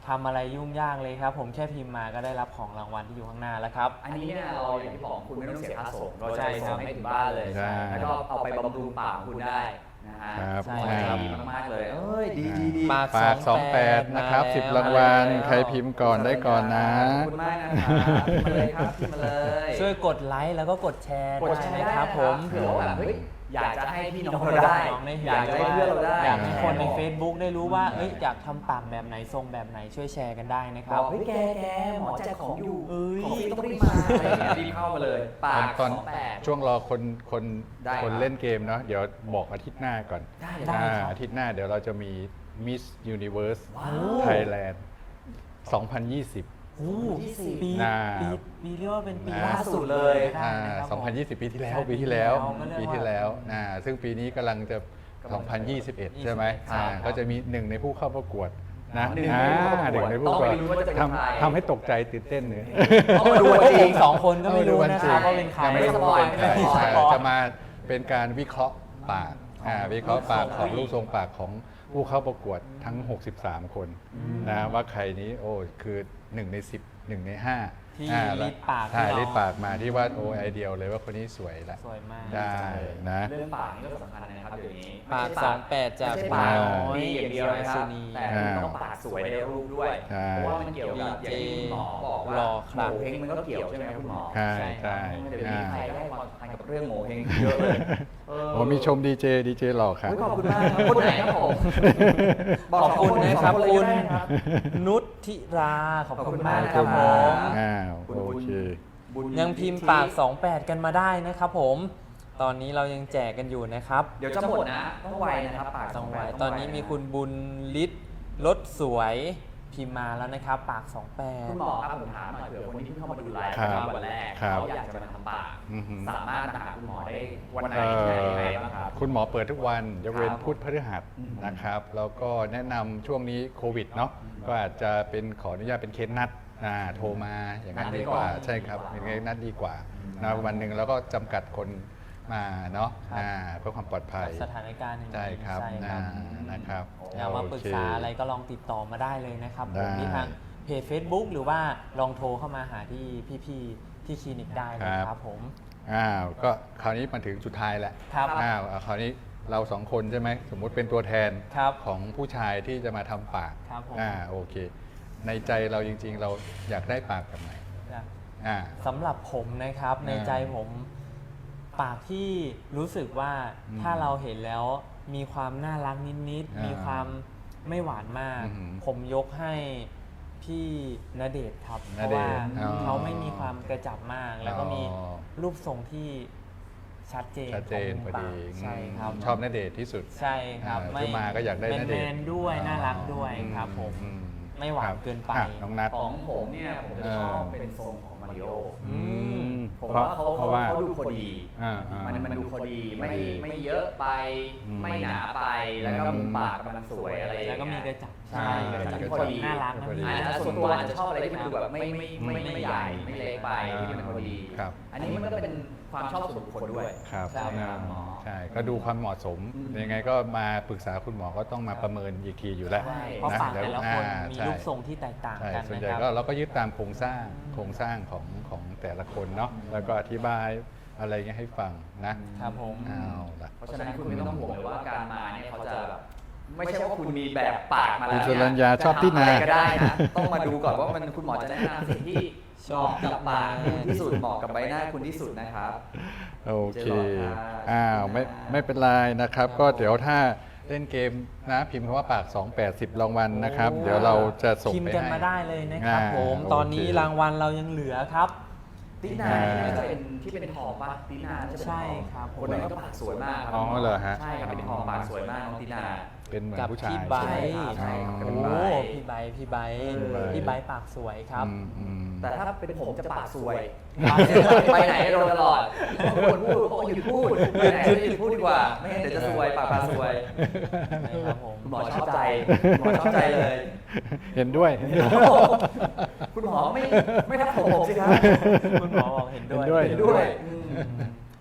Speaker 1: ทำอะไรยุ่งยากเลยครับ ผมแค่พิมพ์มาก็ได้รับของรางวัลที่อยู่ข้างหน้าแล้วครับ
Speaker 2: อันนี้เนี่ยเราอย่างที่บอกคุณไม่ต้องเสียค่าส่งเราจะ
Speaker 1: ใช่
Speaker 2: ไป
Speaker 1: ครั
Speaker 2: ส่
Speaker 1: บ
Speaker 2: งให้ถึงบ้านเลย
Speaker 3: ใช่
Speaker 2: แล้วก็เอาไปบำรุงปากคุณได้นะฮะ
Speaker 3: ครับ
Speaker 1: ใช่
Speaker 2: โอ้ย
Speaker 1: ครับ
Speaker 2: ดีมากๆเลยเอ้ยดีดีดี
Speaker 1: ปาก
Speaker 3: ฝากสองแปดนะครับสิบรางวัลใครพิมพ์ก่อนได้ก่อนนะ
Speaker 2: ขอบคุณมากนะครับพิมพ์มาเลยครับพิมพ์มาเลย
Speaker 1: ช่วยกดไลค์แล้วก็กดแชร์
Speaker 2: กดแชร์
Speaker 1: ได้
Speaker 2: ได้
Speaker 1: นะ
Speaker 2: ค
Speaker 1: ค
Speaker 2: รั
Speaker 1: รั
Speaker 2: บบ ผ
Speaker 1: ผม ม
Speaker 2: เผื่อว่าแบบเฮ้ยอยากจะให้พี่น้องเราได้
Speaker 1: น้องได้เห็น
Speaker 2: อยากจะให้เพื่อนเราได้
Speaker 1: อยากให้คนใน
Speaker 2: บอก
Speaker 1: Facebook ได้รู้ว่าเอ้ยอยากทำปากแบบไหนทรงแบบไหนช่วยแชร์กันได้นะค
Speaker 2: บ
Speaker 1: รั
Speaker 2: อบ กเฮ้ยแกแกหมอแจกของอยู่
Speaker 1: เอ้ย
Speaker 2: ของฟรีต้องรีบมาอะไรอย่างเงี้ยรีบเข้ามาเลยปาก
Speaker 3: ตอน
Speaker 2: สองแปด
Speaker 3: ช่วงรอคนคน
Speaker 2: ได้
Speaker 3: คน
Speaker 2: ครับ
Speaker 3: เล่นเกมเนาะเดี๋ยวบอกอาทิตย์หน้าก่อน
Speaker 2: ได้เลย
Speaker 1: ได้
Speaker 3: อ่า
Speaker 1: ครับ
Speaker 3: อาทิตย์หน้าเดี๋ยวเราจะมี Miss Universe
Speaker 2: ว้าว
Speaker 3: Thailand สองพันยี่สิบ
Speaker 1: โอ้โหปี
Speaker 3: น่า
Speaker 1: ปีปีเรียกว่าเป็นปี
Speaker 3: น่า
Speaker 1: ล่าสุดเลย
Speaker 3: อ่า
Speaker 1: ได้นะครับผม
Speaker 3: สองพันยี่สิบ ปีที่แล้ว
Speaker 1: ใช่
Speaker 3: ปีที่แล้ว
Speaker 1: ปี
Speaker 3: ปี
Speaker 1: ที่
Speaker 3: ที่
Speaker 1: แล้
Speaker 3: แล้ว วอ่าซึ่งปีนี้กำลังจะสองพันยี่สิบเอ็ด ใช่ไหม
Speaker 1: ครับ
Speaker 3: อ่าก็จะมีหนึ่งในผู้เข้าประกวดนะ
Speaker 2: หนึ่ง
Speaker 3: อ่า
Speaker 2: ในผู้เข้าประกวด
Speaker 3: หนึ่งในผู้เข้าประกวด
Speaker 2: ต้องไปดูว่าจะเป็นใคร
Speaker 3: ทำทำให้ตกใจตื่นเต้นเลย
Speaker 1: ต้องมาดูกันเองสองคนก็ไม่รู้นะครับว่าเป็นใคร
Speaker 3: ยังไม่รู้ว่าเป็นใคร
Speaker 2: ไม่สปอย
Speaker 3: ใช่จะมาเป็นการวิเคราะห์ปากอ่าวิเคราะห์ปากของรูปทรงปากของผู้เข้าประกวดทั้ง หกสิบสาม คนนะว่าใครนี้โอ้คือหนึ่งในสิบ หนึ่งในห้า
Speaker 1: ที่
Speaker 3: อ่า
Speaker 1: ลิดปาก
Speaker 3: ใช่
Speaker 1: ที่เรา
Speaker 3: ลิดปากมาที่ว่าโอ้ไอเดียเลยว่าคนนี้สวยละ
Speaker 1: สวยมาก
Speaker 3: ได้นะ
Speaker 2: เรื่องปากนี่ก็สำคัญนะครับเดี๋ยวนี้
Speaker 1: ปาก
Speaker 2: ไม่ใช่
Speaker 1: สองแปดจาก
Speaker 2: ไม่ใช่
Speaker 1: ปา
Speaker 2: ปาก ก
Speaker 1: น้อย
Speaker 2: ดีอย่างเดียวนะครับ
Speaker 1: สุนี
Speaker 2: แต่ต้องปากสวยในรูปด้วย
Speaker 3: ใช่
Speaker 2: เพราะว่ามันเกี่ยวกับอย่างที่คุณหมอบอกว่า
Speaker 1: หล่อค
Speaker 2: โง
Speaker 1: รับ
Speaker 2: เฮงมันก็เกี่ยวใช่ไหมครับคุณหมอ
Speaker 3: ใช่
Speaker 1: ใช่
Speaker 3: ใช่
Speaker 2: เดี๋ยว
Speaker 3: อ่า
Speaker 2: นี้ใครได้ความสำคัญกับเรื่องโงเฮงเยอะเลยเ
Speaker 3: โอ้มีชมดีเจดีเจหล่อครับ
Speaker 2: โอ้ยขอบคุณมากครับคนไหนครับผม
Speaker 1: ขอบคุณนะครับ
Speaker 2: สอง
Speaker 1: คุณ
Speaker 2: เลยก็ได้ครับ
Speaker 1: นุชธิราขอบคุณมาก
Speaker 2: ขอบ
Speaker 1: ค
Speaker 2: คุ
Speaker 1: รับ
Speaker 2: ณ
Speaker 1: ผม
Speaker 2: าก
Speaker 3: อ้าว
Speaker 2: คุณ
Speaker 3: โอเค
Speaker 2: บุญ
Speaker 1: ยังพิมพ์ปาก สองแปด กันมาได้นะครับผม ตอนนี้เรายังแจกกันอยู่นะครับ
Speaker 2: เดี๋ยวจะหมดนะ ต้องไวนะครับปาก
Speaker 1: ต้อง
Speaker 2: ส
Speaker 1: ไว้
Speaker 2: แปด
Speaker 1: ตอนนี้มีคุณบุญฤทธิ์รถสวยพิมพ์มาแล้วนะครับ ปาก สองแปด
Speaker 2: คุณหมอครับผมถามหน่อยเผื่อคนที่เพิ่งเข้ามาดูไลฟ์
Speaker 3: ครับ
Speaker 2: วันแรก
Speaker 3: ครับ
Speaker 2: เขาอยากจะมาทำปาก
Speaker 3: อือหือ
Speaker 2: สามารถมาหาคุณหมอได้วันไหน
Speaker 3: เอ่
Speaker 2: ที่ไหน
Speaker 3: อ
Speaker 2: ยังไงบ้างครับ
Speaker 3: คุณหมอเปิดทุกวันยกเว้น
Speaker 2: ครับ
Speaker 3: พุธพฤหัส
Speaker 2: อืม
Speaker 3: นะครับ แล้วก็แนะนำช่วงนี้โควิดเนาะก็อาจจะเป็นขออนุญาตเป็นเคสนัดอ่าโทรมาอย่างนั้นดีกว่า ใช่ครับเป็นเคสนัดดีกว่านะวันหนึ่งแล้วก็จำกัดคนมาเนาะ
Speaker 1: ครับ
Speaker 3: อ่าเพื่อความปลอดภัย
Speaker 1: สถานการณ์อย่างนี้
Speaker 3: ใช่ครับ
Speaker 1: ใช่ค
Speaker 3: อ่า
Speaker 1: รับ
Speaker 3: นะครับ
Speaker 1: อยากมาปรึกษาอะไรก็ลองติดต่อมาได้เลยนะครับผม
Speaker 3: ได้
Speaker 1: ที่ทางเพจ Facebook หรือว่าลองโทรเข้ามาหาที่พี่ๆที่คลินิกได้เลยครับผม
Speaker 3: อ้าวก็คราวนี้มาถึงสุดท้ายแล้ว
Speaker 1: ครับ
Speaker 3: อ้าวคราวนี้เราสองคนใช่ไหมสมมุติเป็นตัวแทน
Speaker 1: ครับ
Speaker 3: ของผู้ชายที่จะมาทำปาก
Speaker 1: ครับผม
Speaker 3: อ่าโอเค ในใจเราจริงๆ เราอยากได้ปากแบบไหนอ่า
Speaker 1: สำหรับผมนะครับใน
Speaker 3: อ่า
Speaker 1: ใจผมปากที่รู้สึกว่า
Speaker 3: อืม
Speaker 1: ถ้าเราเห็นแล้วมีความน่ารักนิด
Speaker 3: อ่า
Speaker 1: ๆ มีความไม่หวานมาก
Speaker 3: อือหือ
Speaker 1: ผมยกให้พี่ณเดชน์ครับ เพ
Speaker 3: ณ
Speaker 1: ราะ
Speaker 3: เด
Speaker 1: ว่า
Speaker 3: ชน์อ๋อ
Speaker 1: เขาไม่มีความกระจับมาก แล้วก็มี
Speaker 3: อ๋อ
Speaker 1: รูปทรงที่ชัดเจน
Speaker 3: ชัดเจน
Speaker 1: ขง
Speaker 3: พอ
Speaker 1: ปา
Speaker 3: ดี
Speaker 1: กใช่ครับ
Speaker 3: ชอบณเดชน์ที่สุด
Speaker 1: ใช่ครับ
Speaker 3: อ่าคือมาก็อยากได้ณเดชน์
Speaker 1: แมนๆด้วย
Speaker 3: อ๋อ
Speaker 1: น่ารักด้วยครับผม
Speaker 3: อื
Speaker 1: ไม่หวาน
Speaker 3: ครับ
Speaker 1: เกินไป
Speaker 3: อ่ะน้องนัท
Speaker 2: ของผมเนี่ยผมจะชอบเป็นทรงของมาริโอ
Speaker 3: อืม
Speaker 2: ผม
Speaker 3: เพราะ
Speaker 2: ว่าเขา
Speaker 3: เพราะว่า
Speaker 2: เขาดูพอดี
Speaker 3: อ่าอ่า
Speaker 2: มันมันดูพอดีไม่
Speaker 3: พอดี
Speaker 2: ไม่เยอะไป
Speaker 3: อืม
Speaker 2: ไม่หนาไปแล้วก็มุมปากกำลังสวยอะไรอย่าง
Speaker 1: แล้
Speaker 2: เงี้
Speaker 1: วย ก็มีกระจับ
Speaker 2: ใช่
Speaker 3: อ่าก
Speaker 2: ระจับ
Speaker 3: มีกระ
Speaker 2: พอ
Speaker 3: จับ
Speaker 2: ดี
Speaker 1: น่ารักนะ
Speaker 3: พอดี
Speaker 1: พี่
Speaker 2: อ่าส่วนตัวอาจจะชอบอะไรที่มันดูแบบไม่ไม่ไม่ไม่ไม่ใหญ่ไม่เล็กไปที่มันพอดี
Speaker 3: ครับ
Speaker 2: อันนี้มันก็เป็นความชอบส่วนบุคคลด้วย
Speaker 3: ครับ
Speaker 2: ใช่ครับหมอ
Speaker 3: ใช่ ก็ดูความเหมาะสม
Speaker 2: อืม
Speaker 3: ยังไงก็มาปรึกษาคุณหมอก็ต้องมาประเมินอีกทีอยู่แล้ว
Speaker 2: ใช่
Speaker 1: เพราะปากแต่ละคน
Speaker 3: อ่า
Speaker 1: มี
Speaker 3: ใช่
Speaker 1: รูปทรงที่แตกต่าง
Speaker 3: ใช่
Speaker 1: กัน
Speaker 3: ส่วน
Speaker 1: นะ
Speaker 3: ใหญ่
Speaker 1: ครับ
Speaker 3: ก็เราก็ยึดตามโครงสร้างโครงสร้างของของแต่ละคนเนาะแล้วก็อธิบายอะไรเงี้ยให้ฟังนะครับ
Speaker 1: ผม
Speaker 3: เอาละ
Speaker 2: เพราะฉะนั้นคุณไม่ต้องห่วงเลยว่าการมาเนี่ยเขาจะแบบไม่ใช่ว่าคุณมีแบบปากมาแล้ว
Speaker 3: คุณสุ
Speaker 2: เนี่
Speaker 3: รัญญาชอบที่นา
Speaker 2: จะทำะไรก็ได้นะต้องมาดูก่อนว่ามันคุณหมอจะแนะนำสิ่งที่ชอบกับปากคุณที่สุดเหมาะกับใบหน้าคุณที่สุดนะครับ
Speaker 3: โอเค
Speaker 2: เจอหลอดค่ะ
Speaker 3: อ้าวไม่ไม่เป็นไรนะครับ ก็เดี๋ยวถ้าเล่นเกมนะพิมพ์คำว่าปาก สองแปด สิบรางวัลนะครับ เดี๋ยวเราจะส่ง
Speaker 1: พิมพ์
Speaker 3: ไป
Speaker 1: กัน
Speaker 3: ให้
Speaker 1: มาได้เลยนะครับ
Speaker 3: อ่า
Speaker 1: ผม
Speaker 3: โอเค
Speaker 1: ตอนนี้รางวัลเรายังเหลือครับ
Speaker 2: ตินาเนี่ยจะเป็นที่เป็นทองปะตินาจะเป็นทอง
Speaker 1: ใช่ครับผม
Speaker 2: คนนั้นก็ปากสวยมากครั
Speaker 3: อ๋อเหรอฮะ
Speaker 2: ใช่ครับเป็นทองปากสวยมากน้องตินา
Speaker 3: เป็นเหมือน
Speaker 1: กับ
Speaker 3: ผู้ชาย
Speaker 1: พี่ไบร์ท
Speaker 2: ใช่ครับ
Speaker 1: โอ้
Speaker 2: เป็นไบร์ท
Speaker 1: พี่ไบร์ทพี่ไบร์ท
Speaker 3: พี่ไบร์ท
Speaker 1: พี่ไบร์ทปากสวยครับ
Speaker 3: อืมอืม
Speaker 2: แต่ถ้าเป็นผมจะปากสวย ไปไหนโดนตลอดคนพูดเขาหยุดพูดไปไหนก็หยุดพูดดีกว่า ไม่งั้นเดี๋ยวจะซวยปากปากซวย
Speaker 1: นะครับผม
Speaker 2: คุณหมอชอบใจคุณหมอชอบใจเลย
Speaker 3: เห็นด้วย
Speaker 2: คุณหมอไม่ไม่ทักผมผมสิครับ
Speaker 1: คุณหมอบอกเห็นด้วย
Speaker 3: เห็นด้วย
Speaker 2: เห็นด้วยอืม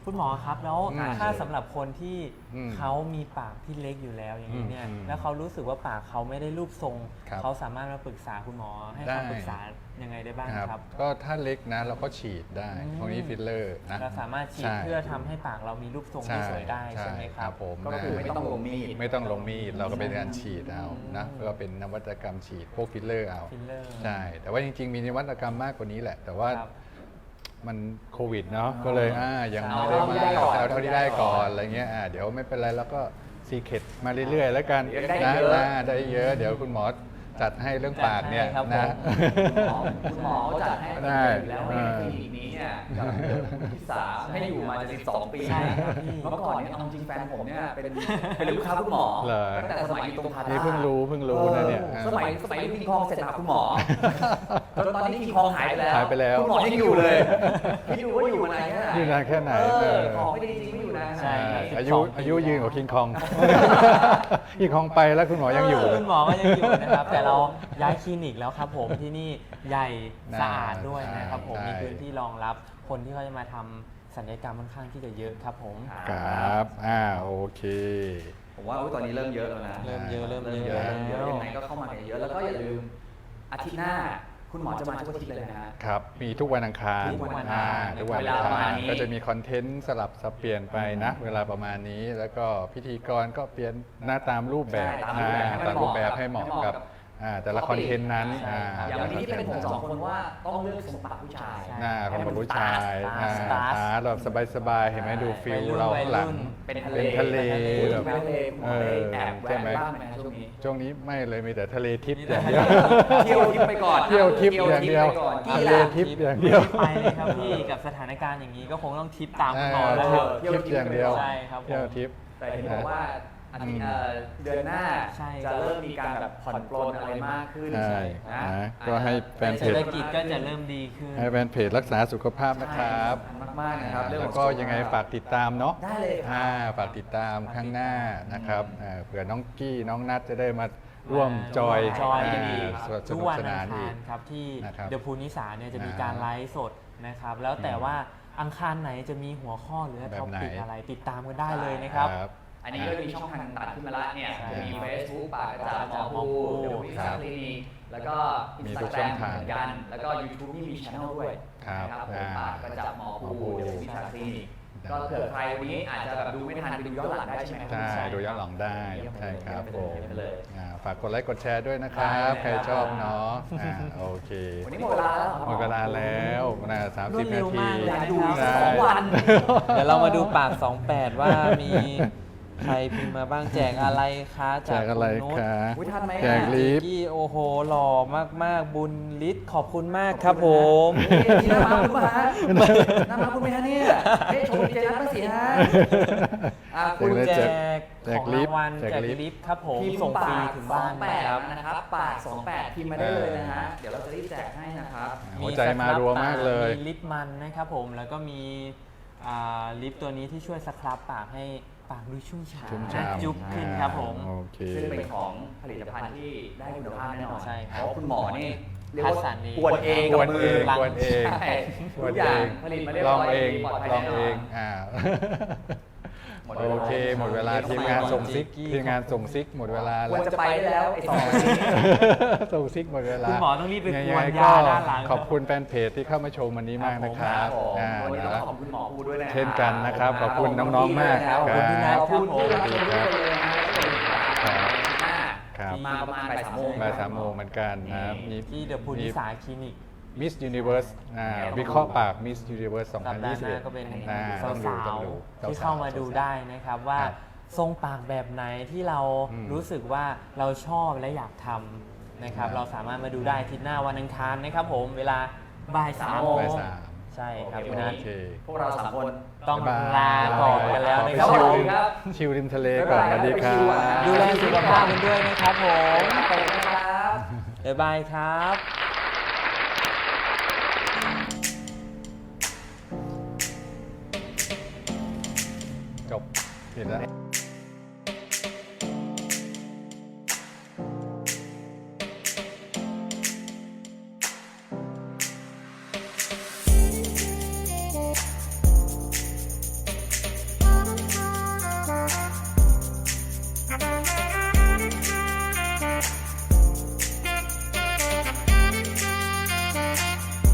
Speaker 1: คุณหมอครับแล้ว
Speaker 3: อืม
Speaker 1: ถ้าสำหรับคนที่
Speaker 3: อืม
Speaker 1: เขามีปากที่เล็กอยู่แล้วอย่างนี้เนี่ย
Speaker 3: อืม
Speaker 1: แล้วเขารู้สึกว่าปากเขาไม่ได้รูปทรง
Speaker 3: ครับ
Speaker 1: เขาสามารถมาปรึกษาคุณหมอให้
Speaker 3: ได้
Speaker 1: คำปรึกษายังไงได้บ้าง
Speaker 3: ครับ
Speaker 1: ครับ
Speaker 3: ก็ถ้าเล็กนะเราก็ฉีดได้
Speaker 1: อืม
Speaker 3: ตรงนี้ฟิลเลอร์นะ
Speaker 1: เราสามารถฉีด
Speaker 3: ใช่
Speaker 1: เพื่อทำให้ปากเรามีรูปทรงที่สวยได้ใช่ไหมครับ
Speaker 3: ผม
Speaker 2: ก็คือไม่ต้องลงมีด
Speaker 3: ไม่ต้องลงมีดเราก็เป็นการฉีดเอานะก็เป็นนวัตกรรมฉีดพวกฟิลเลอร์เอา
Speaker 1: ฟิลเลอร์
Speaker 3: ใช่ แต่ว่าจริง ๆ มีนวัตกรรมมากกว่านี้แหละ แต่ว่า
Speaker 1: ครับ
Speaker 3: มันโควิดเนาะก็เลยอ่ายัง
Speaker 2: เอา
Speaker 3: ไม่ได้
Speaker 2: เท่าที่ได้ก่อน
Speaker 3: มาเอาเท่าที่ได้ก่อนอะไรเงี้ยอ่าเดี๋ยวไม่เป็นไรแล้วก็ซีเคทมาเรื่อยๆ แล้วกัน
Speaker 2: เดี๋ยวได้
Speaker 3: นะ
Speaker 2: เยอะ
Speaker 3: นะได้เยอะเดี๋ยวคุณหมอจัดให้เรื่องปากเนี่ย
Speaker 1: จัดให้ครับ
Speaker 3: นะ
Speaker 1: ผม
Speaker 2: คุณหมอเขาจัดให้
Speaker 3: ได้
Speaker 2: อยู่แล้วในคลินิกนี้เนี่ยกับที่สามให้อยู่มาจะสิบสองปี
Speaker 1: ใช่ครับพี่
Speaker 2: เมื่อก่อนเนี่ยเอาจริงแฟนผมเนี่ยเป็นเป็นลูกค้าคุณหมอ
Speaker 3: เหรอ
Speaker 2: ตั้งแต่สมัยอยู่ตรงพารา
Speaker 3: นี่เพิ่งรู้เพิ่งรู้นะเนี่ย
Speaker 2: ออสมัยสมัยคิงคองเสร็จหาคุณหมอจนตอนนี้คิงคองหายไปแล้ว
Speaker 3: หายไปแล้ว
Speaker 2: คุณหมอยังอยู่เลยพี่ดูว่าอยู่มานานแค่ไหน
Speaker 3: อยู่นานแค่ไหน
Speaker 2: เอ
Speaker 3: เอ
Speaker 2: อ
Speaker 3: อ
Speaker 2: ของไม่ดีจริงไม่อยู่นานขนาด
Speaker 1: ใช่
Speaker 2: ไหน
Speaker 1: ครับ
Speaker 3: อายุอายุยืนกว่าคิงคอง คิงคองไปแล้วคุณหมอยังอยู่
Speaker 1: คุณหมอก็ยังอยู่นะครับ แต่เราย้ายคลินิกแล้วครับผมที่นี่ใหญ่สะอาดด้วยนะครับผม
Speaker 3: ใช่
Speaker 1: มีพื้นที่รองรับคนที่เขาจะมาทำศัลยกรรมค่อนข้างที่จะเยอะครับผม
Speaker 3: ครับ อ่า โอเค
Speaker 2: ผมว่าอุ๊ยตอนนี้เริ่มเยอะแล้วนะ
Speaker 1: เริ่มเยอะเริ่ม
Speaker 2: เริ่ม
Speaker 1: เย
Speaker 2: เย
Speaker 1: อะ
Speaker 2: อะ
Speaker 1: แล้
Speaker 2: เริ่มเยอะ
Speaker 1: ว
Speaker 2: ยังไงก็เข้ามากันเยอะแล้วก็อย่าลืมอาทิตย์หน้าคุณหมอจะมาทุกอาทิตย์เลยนะฮะ
Speaker 3: ครับ มีทุกวันอังคาร
Speaker 1: ทุกวันอังคาร
Speaker 3: อ่ทุกวันอัง
Speaker 2: เวลาประ
Speaker 3: คา
Speaker 2: มาณ
Speaker 3: ร
Speaker 2: นี้
Speaker 3: ก็จะมีคอนเทนต์สลับสับเปลี่ยนไปนะ เวลาประมาณนี้ แล้วก็พิธีกรก็เปลี่ยนหน้าตามรูปแบบ
Speaker 2: ใช่ตามรูปแบบให้
Speaker 3: อ่า
Speaker 2: มัน
Speaker 3: ตามรูปแบบให้เหมาะกับ
Speaker 2: ให้เหมาะกับ
Speaker 3: อ่าแต่ละคอนเทนต์นั้น
Speaker 1: ใช่
Speaker 3: อ่า
Speaker 2: อย่างวันนี้ที่เป็นผมสองคนว่าต้องเลือกทรงปากผู้ชาย
Speaker 1: ใช่
Speaker 3: หน้าของแบบผู้ชาย
Speaker 1: ตา
Speaker 3: อ่า
Speaker 1: สตาร์ท
Speaker 3: ตาแบบสบายๆ เห็นไหมดูฟิล
Speaker 1: วัยรุ่น
Speaker 3: เราข้างหลัง
Speaker 1: วัยรุ่น
Speaker 2: เป็นทะเล
Speaker 3: เป็นทะเล
Speaker 2: พูด
Speaker 3: แบ
Speaker 2: ถึ
Speaker 3: บ
Speaker 2: งทะเลคุณหมอได้แอบแวะบ้างไหมช่วงนี้
Speaker 3: ช่วงนี้ไม่เลยมีแต่ทะเลทิพย์
Speaker 1: มี
Speaker 3: อ
Speaker 1: แต่
Speaker 3: ย่าง
Speaker 1: ทะเล
Speaker 3: เดียว
Speaker 2: เที่ยวทิพย์ไปก่อน
Speaker 3: เที่ยวทิพย์อย่างเดียว
Speaker 2: ไปก่อน
Speaker 3: ทะ
Speaker 2: กี่
Speaker 3: เล
Speaker 2: ล่ะ
Speaker 3: ทิพย์อย่างเดียว
Speaker 1: ไปเลยครับพี่กับสถานการณ์อย่างนี้ก็คงต้องทิปตามคุณหมอแล้วครับ
Speaker 2: เที่ยว
Speaker 3: ทิพย์อย่างเดียว
Speaker 1: ใช่ครับผม
Speaker 3: เที่ยวทิพย์
Speaker 2: แต่เห็นบอกว่าอาทิตย์เอ่อเดือนหน้า
Speaker 1: ใช่
Speaker 2: จะเริ่มมีการแบบผ่อนปลนอะไรมากขึ้น
Speaker 3: ใช่
Speaker 2: นะ
Speaker 3: นะก็ให้แฟนเพ
Speaker 1: เศรษ
Speaker 3: จ
Speaker 1: ฐกิจก็จะเริ่มดีขึ้น
Speaker 3: ให้แฟนเพจรักษาสุขภาพนะครับ
Speaker 2: สำคัญมากๆนะครับเรื่อง
Speaker 3: แล้
Speaker 2: ข
Speaker 3: ว
Speaker 2: อ
Speaker 3: ก็
Speaker 2: สุขภพ
Speaker 3: ยังไงฝากติดตามเนาะ
Speaker 2: ได้เลยครับ
Speaker 3: อ่าฝากติดตามข้างหน้านะครับอ่าเผื่อน้องกี้น้องนัทจะได้มาร่วมจอย
Speaker 1: จอย
Speaker 3: า
Speaker 1: กันอีก
Speaker 3: ส
Speaker 1: ทุก
Speaker 3: นุก
Speaker 1: วัน
Speaker 3: ส
Speaker 1: อั
Speaker 3: นาง น
Speaker 1: คา
Speaker 3: อี
Speaker 1: ร
Speaker 3: ก
Speaker 1: ครับที่
Speaker 3: นะครับ
Speaker 1: เดอะพูนิสาเนี่ยจะมี
Speaker 3: อ่า
Speaker 1: การไลฟ์สดนะครับ แล้วแต่ว่าอังคารไหนจะมีหัวข้อหรือ
Speaker 3: แบบ
Speaker 1: ท็อ
Speaker 3: ไหน
Speaker 1: ปิกอะไรติดตามกันได้เลยนะครับ
Speaker 2: อันนี้ก็มีช่องทางต่างๆขึ้นมาละเนี่ย
Speaker 1: ใช่
Speaker 2: จะมี Facebook ปากกระจาหมอ
Speaker 1: หมอ
Speaker 2: ภู
Speaker 1: ภู
Speaker 2: เดี๋ยวมี
Speaker 3: ครั
Speaker 2: สา
Speaker 3: บ
Speaker 2: คลินิกแล้วก็
Speaker 3: มี
Speaker 2: อินส
Speaker 3: ทุ
Speaker 2: ตาก แกร
Speaker 3: ช่อง
Speaker 2: ม
Speaker 3: ทาง
Speaker 2: เหมือนกัน แล้วก็ YouTube นี่มีช่องด้วย
Speaker 3: ครับ
Speaker 2: นะครับผม
Speaker 3: อ่า
Speaker 2: ปากกระจับหมอ
Speaker 3: หมอ
Speaker 2: ภู
Speaker 3: ภู
Speaker 2: เดี๋ยวมีสาคลินิกก็เผื่อใครวันนี้อาจจะแบบดูไม่ทันไปดูย้อนหลังได้ใช่ไหมครับ
Speaker 3: ใช่ดูย้อนหลังได้ใช่ครับผม
Speaker 2: เยี่ยมไปเลย
Speaker 3: อ่าฝากกดไลค์กดแชร์ด้วยนะครับ
Speaker 2: ได้เลย
Speaker 3: ใครชอบเนาะอ่าโอเค
Speaker 2: วันนี้หมดเวลาแล้ว
Speaker 3: หมดเวลาแล้วนะสามสิบ
Speaker 1: รวดเร็
Speaker 3: นาว ที
Speaker 1: มากเลย
Speaker 2: อยากดู
Speaker 1: นะ
Speaker 2: อีก
Speaker 1: ค
Speaker 2: สั
Speaker 1: รั
Speaker 2: ก
Speaker 1: บ
Speaker 2: สองวัน
Speaker 1: เดี๋ยวเรามาดูปาก สองแปด ว่ามีใครพิมพ์มาบ้างแจกอะไรคะ
Speaker 3: แจกอะไร
Speaker 1: ณนุช
Speaker 3: คะ
Speaker 2: อุ๊ยทันไหม
Speaker 3: แจก
Speaker 2: อ่ะ
Speaker 3: ลิฟต์
Speaker 1: กี้โอ้โหหล่อมากๆ บุญฤทธิ์ขอบคุณมากครับผม
Speaker 2: นี่หน้ามาคุณป่ะฮะหน้ามาคุณไหมฮะเนี่ยเฮ้ยชมเจนัทมาสิฮะอ่ะคุ
Speaker 1: คุณ ณ
Speaker 2: แจ
Speaker 1: แจ
Speaker 2: ก
Speaker 1: กของรางวัล
Speaker 3: แจก
Speaker 1: แจก
Speaker 3: ลิฟต์
Speaker 1: ลิฟต์ครับผม
Speaker 2: พิมพ์
Speaker 1: ส่งฟรี
Speaker 2: ปาก
Speaker 1: ถึง
Speaker 2: สอ
Speaker 1: บ้าง น
Speaker 2: แป
Speaker 1: นะ
Speaker 2: ด
Speaker 1: ครับ
Speaker 2: นะครับปากสองแปดพิมพ์มาได้เลยนะฮะเดี๋ยวเราจะรีบแจกให้นะครับ
Speaker 3: หัวใจมารัวมากเลย
Speaker 1: มีลิปมันนะครับผมแล้วก็มีอ่าลิปตัวนี้ที่ช่วยสครับปากให้ปากดูชุ่มฉ่
Speaker 3: ชุ่ม
Speaker 1: ำ
Speaker 3: ฉ่ำ
Speaker 1: จุ๊บขึ้นครับผม
Speaker 3: โอเค
Speaker 2: ซึ่งเป็นของผลิตภัณฑ์ที่ได้คุณภาพแน่นอน
Speaker 1: ใช่ครับ
Speaker 2: เพราะคุณหมอนี่เรียก
Speaker 1: คัด
Speaker 2: ว่า
Speaker 1: สรรเอง
Speaker 2: กวนเอง
Speaker 3: ก
Speaker 2: กับ
Speaker 3: วน
Speaker 2: มื
Speaker 3: เอ
Speaker 2: อง
Speaker 3: กวนเอง
Speaker 2: ใช่
Speaker 3: ก
Speaker 2: ทุ
Speaker 3: วน
Speaker 2: กอ
Speaker 3: เอย่าง ง
Speaker 2: ผลิตมาเรียบ
Speaker 3: ล
Speaker 2: ร้
Speaker 3: อ
Speaker 2: อง ย
Speaker 3: เอง
Speaker 2: ปลอดภัย
Speaker 3: ลอง
Speaker 2: แน่น
Speaker 3: เอ
Speaker 2: อน
Speaker 3: งอ่า
Speaker 2: หมดเวลา
Speaker 3: โอเค หมดเวลาทีมงานส่งซิกทีมงานส่งซิกหมดเวลา
Speaker 2: คว
Speaker 3: แล้
Speaker 2: ร
Speaker 3: ว
Speaker 2: จะไปได้แล้วไอ้สองคนนี้
Speaker 3: ส่งซิกหมดเวลา
Speaker 1: คุณหมอต้องรีบไปกวน
Speaker 3: งง
Speaker 1: ยาด้านหลัง
Speaker 3: ขอบคุณแฟนเพจที่เข้ามาชมวันนี้มากนะครับ
Speaker 2: ผม
Speaker 3: อ่า
Speaker 2: วันนี้ต้อง
Speaker 3: นะ
Speaker 2: ขอบคุณหมอภูด้วยนะ
Speaker 3: เช่นกันนะครับขอบคุณน้องๆมาก
Speaker 2: ขอบคุณพี่นัท
Speaker 3: ครับ
Speaker 2: ขอบคุณที่รับชมด้วยเลยนะ
Speaker 3: ครับ
Speaker 2: อ่า
Speaker 3: ครับ
Speaker 2: มาประมาณบ่ายสามโมง
Speaker 3: บ่ายสามโมงเหมือนกันนะครับมี
Speaker 1: ที่เดอะพูนิสาคลินิก
Speaker 3: มิสยูนิเวิร์สอ่าวิเคราะห์ปากมิสยูนิเวิร์สสอง
Speaker 1: สั
Speaker 3: พั
Speaker 1: ป
Speaker 3: น
Speaker 1: ดา
Speaker 3: ยี่
Speaker 1: ห์
Speaker 3: สิบ
Speaker 1: ห
Speaker 3: เอ็
Speaker 1: น้า
Speaker 3: ด
Speaker 1: ก็เป็น
Speaker 3: อ่า
Speaker 1: สา
Speaker 3: ต้องดู
Speaker 1: ว
Speaker 3: ต้องดู
Speaker 1: ๆที่เข้ามาดูได้นะครับว่า
Speaker 3: ครับ
Speaker 1: ทรงปากแบบไหนที่เรา
Speaker 3: อืม
Speaker 1: รู้สึกว่าเราชอบและอยากทำนะครับ
Speaker 3: ครับ
Speaker 1: เราสามารถมาดูได้อาทิตย์หน้าวันอังคารนะครับผมเวลาบ่ายสามโมง
Speaker 3: บ่ายสาม
Speaker 1: ใช่ครับ
Speaker 2: โอ
Speaker 1: คุณ
Speaker 2: เค
Speaker 1: นัท
Speaker 3: โอเค
Speaker 2: พวกเราสามคน
Speaker 1: ต้อง
Speaker 3: บ๊ายบย
Speaker 1: ลาก่อนกันแล้วนะค
Speaker 3: ข
Speaker 1: รั
Speaker 3: อบ ไปชิล
Speaker 2: สวัสดี
Speaker 3: ริม
Speaker 2: ครับ
Speaker 3: ชิลริมทะเลก่อนสวัสดีครั
Speaker 2: บ๊ายบาย
Speaker 3: บ
Speaker 1: ดูแลสุขภาพกันด้วยนะครับผม
Speaker 2: ไปนะครับ
Speaker 1: บ๊ายบายครับ
Speaker 3: จบผิดแล้ว